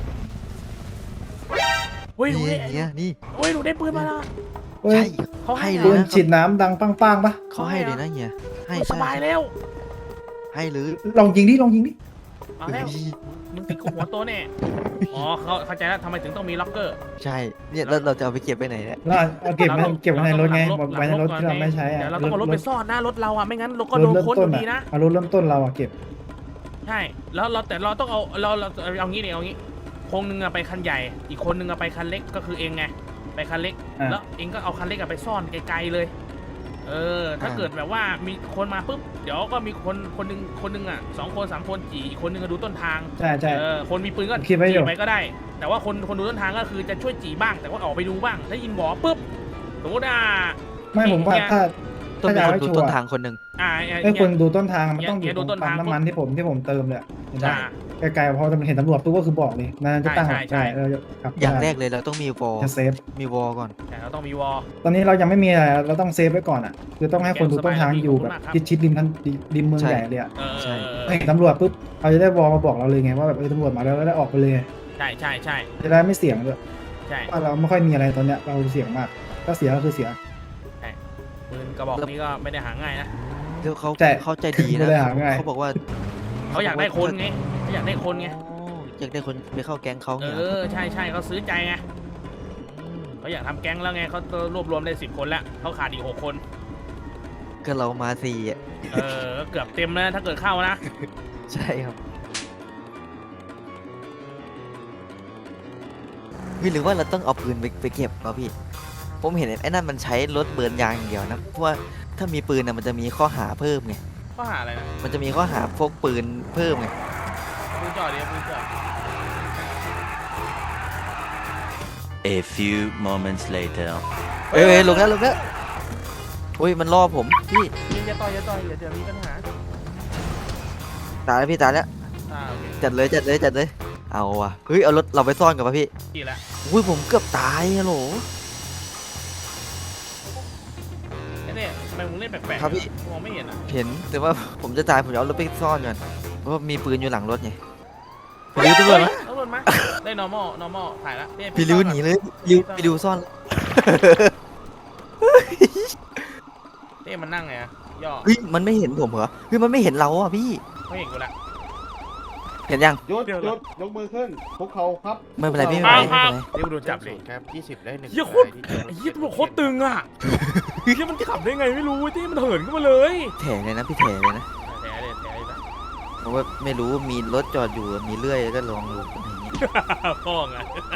Speaker 2: อุ้ยหนู
Speaker 1: นี่
Speaker 2: ได้
Speaker 1: เฮียนี่
Speaker 2: อุ้ยหนูได้ปืนมาแล้ว
Speaker 9: เฮ้
Speaker 1: ใช่
Speaker 9: ย
Speaker 2: เขาให้
Speaker 1: ให้เล
Speaker 9: ปื
Speaker 1: ย
Speaker 9: น
Speaker 1: นะ
Speaker 9: ฉีดน้ำดังปังปังปะ
Speaker 1: เขาให้เลยนะเฮียให้
Speaker 2: ส
Speaker 1: ใช่
Speaker 2: บายแล้ว
Speaker 1: ให้หรือ
Speaker 9: ลองยิงดิลองยิงดิ
Speaker 2: เอาแล้วมึงติดกูหัวโตแน่อ๋อเขาเข้าใจแล้วทำไมถึงต้องมีล็อกเกอร์
Speaker 1: ใช่เนี่ยแล้วเราจะเอาไปเก็บไปไหนเนี่ย
Speaker 9: แล้วเอาเก็บไว้เก็บไว้ในรถไง
Speaker 2: หลั
Speaker 9: ไว้ในรถที่เราไม่ใช้อะ
Speaker 2: เดี๋ยวเราต้องเอารถไปซ่อนนะรถเราอ่ะไม่งั้นรถก็
Speaker 9: ร
Speaker 2: โด
Speaker 9: ถ
Speaker 2: น
Speaker 9: เริ่ม
Speaker 2: ค้นอ
Speaker 9: ต้น
Speaker 2: ยู่ดีนะ
Speaker 9: อะเอารถเริ่มต้นเราอะเก็บ
Speaker 2: ใช่ แล้วเราแต่เราต้องเอาเราเราเอางี้เนี่ยเอางี้คนนึงอะไปคันใหญ่ อีกคนนึงอะไปคันเล็กก็คือเองไงไปคันเล็ก
Speaker 9: อ่ะ
Speaker 2: แล้วเองก็เอาคันเล็กอะไปซ่อนไกลๆเลย เออ ถ้าเกิดแบบว่ามีคนมาปุ๊บเดี๋ยวก็มีคนคนนึงคนนึงอะสองคนสามคนจีอีกคนนึงก็ดูต้นทาง
Speaker 9: ใช่ใช่
Speaker 2: เออคนมีปืนก็
Speaker 9: คิดไว้อยู่
Speaker 2: จีไปก็ได้ แต่ว่าคนคนดูต้นทางก็คือจะช่วยจีบ้าง แต่ว่าออกไปดูบ้างถ้ายินบอกปุ๊บสมมติอ่ะ
Speaker 9: ไม่ผมว่าถ้า
Speaker 1: ต้องมี
Speaker 9: ถ้า
Speaker 1: คน
Speaker 9: จะ
Speaker 1: ดู
Speaker 9: ให้ชัวร์
Speaker 1: ต้นทางคนหนึ่ง
Speaker 2: อ่า
Speaker 9: ไอ้คนดูต้นทางมันต้องอ
Speaker 2: อย่า
Speaker 9: ยู่
Speaker 2: ดู
Speaker 9: ตร
Speaker 2: ต้
Speaker 9: ง
Speaker 2: น
Speaker 9: ปั๊
Speaker 2: ทาง
Speaker 9: มน้ำมันที่ผมที่ผมเติมเลยอะเห็นไหม
Speaker 2: อ่า
Speaker 9: ไกลๆพอจะเห็นตำรวจปุ๊บก็คือบอกเลยนั่นจะตั้ง
Speaker 2: ใช่ใช่
Speaker 9: เออครับ
Speaker 1: อย่างแรกเลยเราต้องมีวอล
Speaker 9: จะเซฟ
Speaker 1: มีวอลก่อน
Speaker 2: แต่เราต้องมีวอล
Speaker 9: ตอนนี้เรายังไม่มีอะไรเราต้องเซฟไว้ก่อนอ่ะคือต้องให้คนดูต้นทางอยู่แบบ
Speaker 2: ขอบคุณมากครับ
Speaker 9: ชิดชิดริมทันริมเมือง
Speaker 1: ใช่
Speaker 9: ใหญ่เลยอ่ะ
Speaker 2: เออ
Speaker 1: ใช่
Speaker 9: เห็นตำรวจปุ๊บเราจะได้วอลมาบอกเราเลยไงว่าแบบเออตำรวจมาแล้วแล้วได้ออกไปเลย
Speaker 2: ใช่ใช่ใช่
Speaker 9: จะได้ไม่เสี่ยงด้วย
Speaker 2: ใช่
Speaker 9: ว่าเราไม่ค่อยมีอะไรตอนเนี้ยเราเสี่ยงมาก ตก็เสียก็คือเสีย
Speaker 2: ปืนกระบอกนี้ก็ไม่ได้หาง่ายนะ
Speaker 1: เดี๋ยวเขา
Speaker 9: ใช่
Speaker 1: เขาใจดี
Speaker 9: ไม่
Speaker 1: นะ
Speaker 9: ได้หาง่าย
Speaker 1: เขาบอกว่า
Speaker 2: เขาอยากได้คนไงเขาอยากได้คนไง
Speaker 1: อ๋ออยากได้คนไปเข้าแก๊งเขา
Speaker 2: เอ
Speaker 1: เนี่ย
Speaker 2: อใช่ใช่เขาซื้อใจไงเขาอยากทำแก๊งแล้วไงเขารวบรวมได้สิบคนแล้วเขาขาดอีกหกคน
Speaker 1: ก็เรามาสี่อ่ะ
Speaker 2: เออก็เกือบเต็มแล้วถ้าเกิดเข้านะ
Speaker 1: ใช่ครับพี่หรือว่าเราต้องเอาปืนไปไปเก็บเนาะพี่ ผมเห็นไอ้นั่นมันใช้รถเบิร์นยางอย่างเดียวนะเพราะว่าถ้ามีปืนนะมันจะมีข้อหาเพิ่มไง
Speaker 2: ข้อหาอะไรนะ
Speaker 1: มันจะมีข้อหาพกปืนเพิ่มไง
Speaker 2: ปืนจ่อเดียวปืนจ่อ
Speaker 5: A few moments later.
Speaker 1: เอ้ยเอ้ยลงแล้วลงแล้วอุ้ยมันล่อผมพี่
Speaker 2: ยิงจะต่อยจะต่อยเดี๋ยวเดี๋ยวมีปัญหา
Speaker 1: ตายแล้วพี่ตายแล้ว
Speaker 2: อ่าโอเค
Speaker 1: จัดเลยจัดเลยจัดเลยเอาว่ะเฮ้ยเอารถเราไปซ่อนกันป่ะพี่
Speaker 2: กี่ละ
Speaker 1: อุ้ยผมเกือบตายฮัลโหล
Speaker 2: ไอ้เนี่ยทำไมมึงเล่นแปลกๆ
Speaker 1: ครับพี่
Speaker 2: มองไม่เห็นอ่ะ
Speaker 1: เห็นแต่ว่าผมจะตายผมจะเอารถไปซ่อนก่อนเพราะว่ามีปืนอยู่หลังรถไงพี่ริ้วตำรวจไหม
Speaker 2: ตำรวจมาได้ normal normal ถ่ายละเนี่ย
Speaker 1: พี่ริ้วหนีเลยพี่ริ้วพี่ริ้วซ่อน
Speaker 2: เต้มันนั่งไงอะย่อ
Speaker 1: เฮ้ยมันไม่เห็นผมเหรอเฮ้ยมันไม่เห็นเราอ่ะพี่
Speaker 2: ไม่เห็นกูละ
Speaker 1: เห็นยัง
Speaker 9: ยศยศยกมือขึ้นพวกเขาครับ
Speaker 1: ไม่เป็นไรพี่ไม่เป็นไรไม่เป็นไร
Speaker 2: เดี๋ยวกูโดนจับดิ
Speaker 9: ครับยี่สิบได้หนึ่ง
Speaker 2: เฮียโคตรไอ้เฮียตำรวจโคตรตึงอ่ะเฮียมันขับได้ไงไม่รู้ที่มันเหินขึ้นมาเลย
Speaker 1: แถเลยนะพี่แถเลยนะ
Speaker 2: แถเลยแถเลยนะ
Speaker 1: เพราะว่าไม่รู้มีรถจอดอยู่มีเลื่อยก็ลองดูอะไรอย่างงี้
Speaker 2: พ่อไง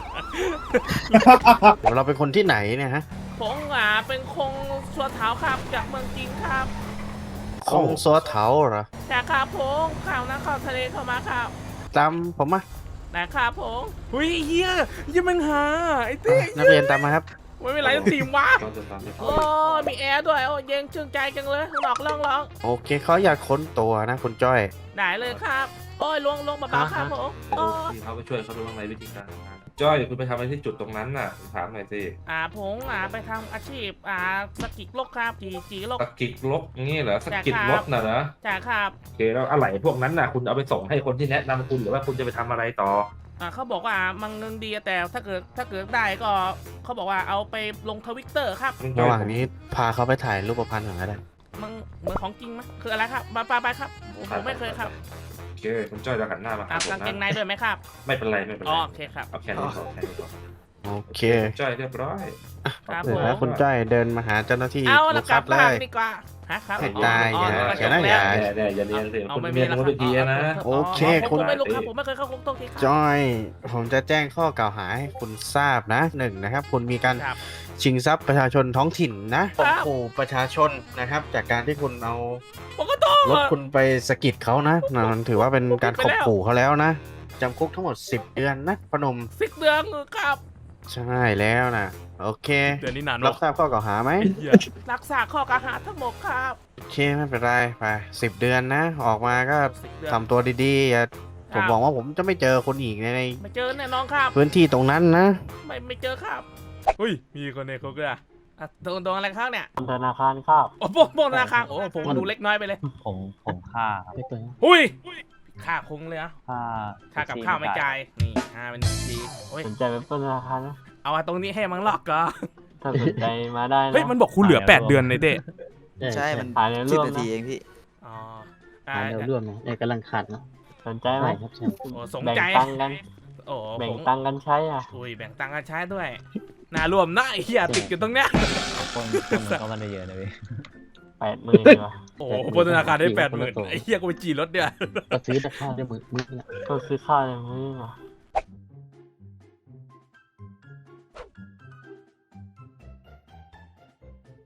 Speaker 9: เราเป็นคนที่ไหนเนี่ยฮะ
Speaker 2: ผมอ่ะเป็นคงสัวเท้าครับจากเมืองจีนครับ
Speaker 9: คงซัวเถาเหรอ
Speaker 2: จากครับผมข่าวนักข่าวทะเลเข้ามาครับ
Speaker 9: ตามผมมา
Speaker 2: นะครับผมเฮ้ยเฮียเฮียมันหาไอ้เต้
Speaker 9: นักเรียนตามมาครับ
Speaker 2: ไม่เป็นไรตีมวะโอ้มีแอร์ด้วยโอ้เย็นชื่นใจจังเลยข้างนอกร้องร้อง
Speaker 9: โอเคเขาอยากค้นตัวนะคุณจ้อย
Speaker 2: ได้เลยครับโอ้ยลวงลวงเบาๆครับผมโอ้ย
Speaker 11: เขาไปช่วยเขาดูข้างในวิธีการทำงานจ้อยคุณไปทำอะไรที่จุดตรงนั้นน่ะถามหน่อยสิ
Speaker 2: อ่าผมอ่าไปทำอาชีพอ่าสกิกลกครับจีจีลก
Speaker 11: สกิดลกงี้เหรอสกิดรถน่ะเหรอ
Speaker 2: จ้าครับ
Speaker 11: โอเคแล้วอะไรพวกนั้นน่ะคุณเอาไปส่งให้คนที่แนะนำคุณหรือว่าคุณจะไปทำอะไรต่อ
Speaker 2: อ่าเขาบอกว่ามันเงินดีแต่ถ้าเกิดถ้าเกิดได้ก็เขาบอกว่าเอาไปลงทวิตเตอร์ครับ
Speaker 9: ระหว่างนี้พาเขาไปถ่ายรูปพรรณก่อนก็ได้
Speaker 2: มันเหมือนของจริงไหมคืออะไรครับไปไปไปครับผมผมไม่เคยครับ
Speaker 11: โอเคคุณจ้อยจะหันหน้ามา
Speaker 2: อ่า
Speaker 11: หาผม
Speaker 2: กางเกงใน
Speaker 11: นะ
Speaker 2: ด้วยไหมครับ
Speaker 11: ไม่เป็นไรไม่เป็นไร
Speaker 2: อ๋อโอเคครับ
Speaker 11: เอาแค่นี้พอแค่นี้พอ
Speaker 9: โอเค
Speaker 11: จ้อยเรียบร้อย
Speaker 2: ครับ
Speaker 9: เดี๋ยว
Speaker 2: ผม
Speaker 9: นะคุณจ้อยเดินมาหาเจ้าหน้าที่
Speaker 2: เอา
Speaker 9: ลู
Speaker 2: ละ
Speaker 9: ก
Speaker 2: กลั
Speaker 9: คั
Speaker 2: บบ
Speaker 9: เล
Speaker 2: บ้าน
Speaker 9: ย
Speaker 2: ดีกว่าฮะครับ
Speaker 9: ไม่ได้
Speaker 2: อ๋อ
Speaker 9: อย่า
Speaker 2: อ๋อ
Speaker 9: อย่านะ
Speaker 2: จบ
Speaker 9: อย่า
Speaker 2: แล้ว
Speaker 11: เนี่ยเนี่ยอย่าเรียนสิ
Speaker 2: เอา
Speaker 11: คุณ
Speaker 2: ไม่มี
Speaker 11: เรียน
Speaker 2: แล้ว
Speaker 11: รู้วิธีนะ
Speaker 9: โอเค
Speaker 2: ผม
Speaker 9: คุณ
Speaker 2: ผมไม่รู้ครับผมไม่เคยเข้าคุกตรงที่ครับ
Speaker 9: จ้อย ผมจะแจ้งข้อกล่าวหาให้คุณทราบนะหนึ่งนะครับ คุณมีการ
Speaker 2: ครับ
Speaker 9: ชิงทรัพย์ประชาชนท้องถิ่นนะครับ ข่มขู่ประชาชนนะครับ จากการที่คุณเอา
Speaker 2: ผมก็ต้อง
Speaker 9: รถคุณไปสะกิดเขานะมันถือว่าเป็นการข่มขู่เขาแล้วนะจำคุกทั้งหมดสิบเดือนนะพนม
Speaker 2: สิบเดือนครับ
Speaker 9: ใช่แล้วนะโอเค
Speaker 2: เดือนนี้นาน
Speaker 9: รับทราบข้อกล่าวหาไหม
Speaker 2: รักษาข้อกล่าวหาทั้งหมดครับ
Speaker 9: โอเคไม่เป็นไรไปสิบเดือนนะ ออกมาก็
Speaker 2: สิบเดือน
Speaker 9: ทำตัวดีๆอย่าผม
Speaker 2: ครับ
Speaker 9: หวังว่าผมจะไม่เจอคนอีกใน
Speaker 2: ไม่เจอแน่นอนครับ
Speaker 9: พื้นที่ตรงนั้นนะ
Speaker 2: ไม่ไม่เจอครับอุ้ยมีคนในคุกด้วยอ่ะอ่ะโดนโดนอะไรข้างเนี่ย
Speaker 8: ธนาคารครับ
Speaker 2: โอ้โหโดนธนาคารโอ้ผมดูเล็กน้อยไปเลย
Speaker 8: ผมผมค่าไม่เกิน
Speaker 2: อุ้ยค่าคงเลยอ่ะ
Speaker 8: ค่า
Speaker 2: ค่ากับข้าวไม่จ่ายนี่ห้าเป็นทีโอ้ย
Speaker 8: สนใจไปปล้นธนาคารนะ
Speaker 2: เอาไว้ตรงนี้ให้มันหลอกก่อน
Speaker 8: ถ้าสนใจมาได้นะ
Speaker 2: เฮ้ยมันบอกคุณเหลือแปดเดือนในเต้
Speaker 1: ใช่มัน
Speaker 8: ขายใน
Speaker 1: สิบ
Speaker 8: ร่วม
Speaker 1: นา
Speaker 8: นะ
Speaker 1: ทีเองพี่
Speaker 2: อ๋ออ่า
Speaker 8: ขายในร่วมนะเนี่ยกำลังขัดนะสนใจไหม
Speaker 2: โอ้สม
Speaker 8: แบ่ง
Speaker 2: ใจ
Speaker 8: ตังค์กัน
Speaker 2: โอ้
Speaker 8: แบ่ง
Speaker 2: ผม
Speaker 8: ตังค์กันใช้อ่ะ
Speaker 2: อุ้ยแบ่งตังค์กันใช้ด้วยน่ารวมนะไอ้เหี้ยติดอยู่ตรงเนี้ย
Speaker 8: คนคนมันก็มันได้เยอะนะพี่แปดหมื่นดีกว่า
Speaker 2: โอ้โหบนธนาคารได้แปดหมื่นไอ้เหี้ยกูไปจีรถเดียว
Speaker 8: ก็ซื้อแต่ข้าวได้มือมือก็ซื้อข้าวในมือ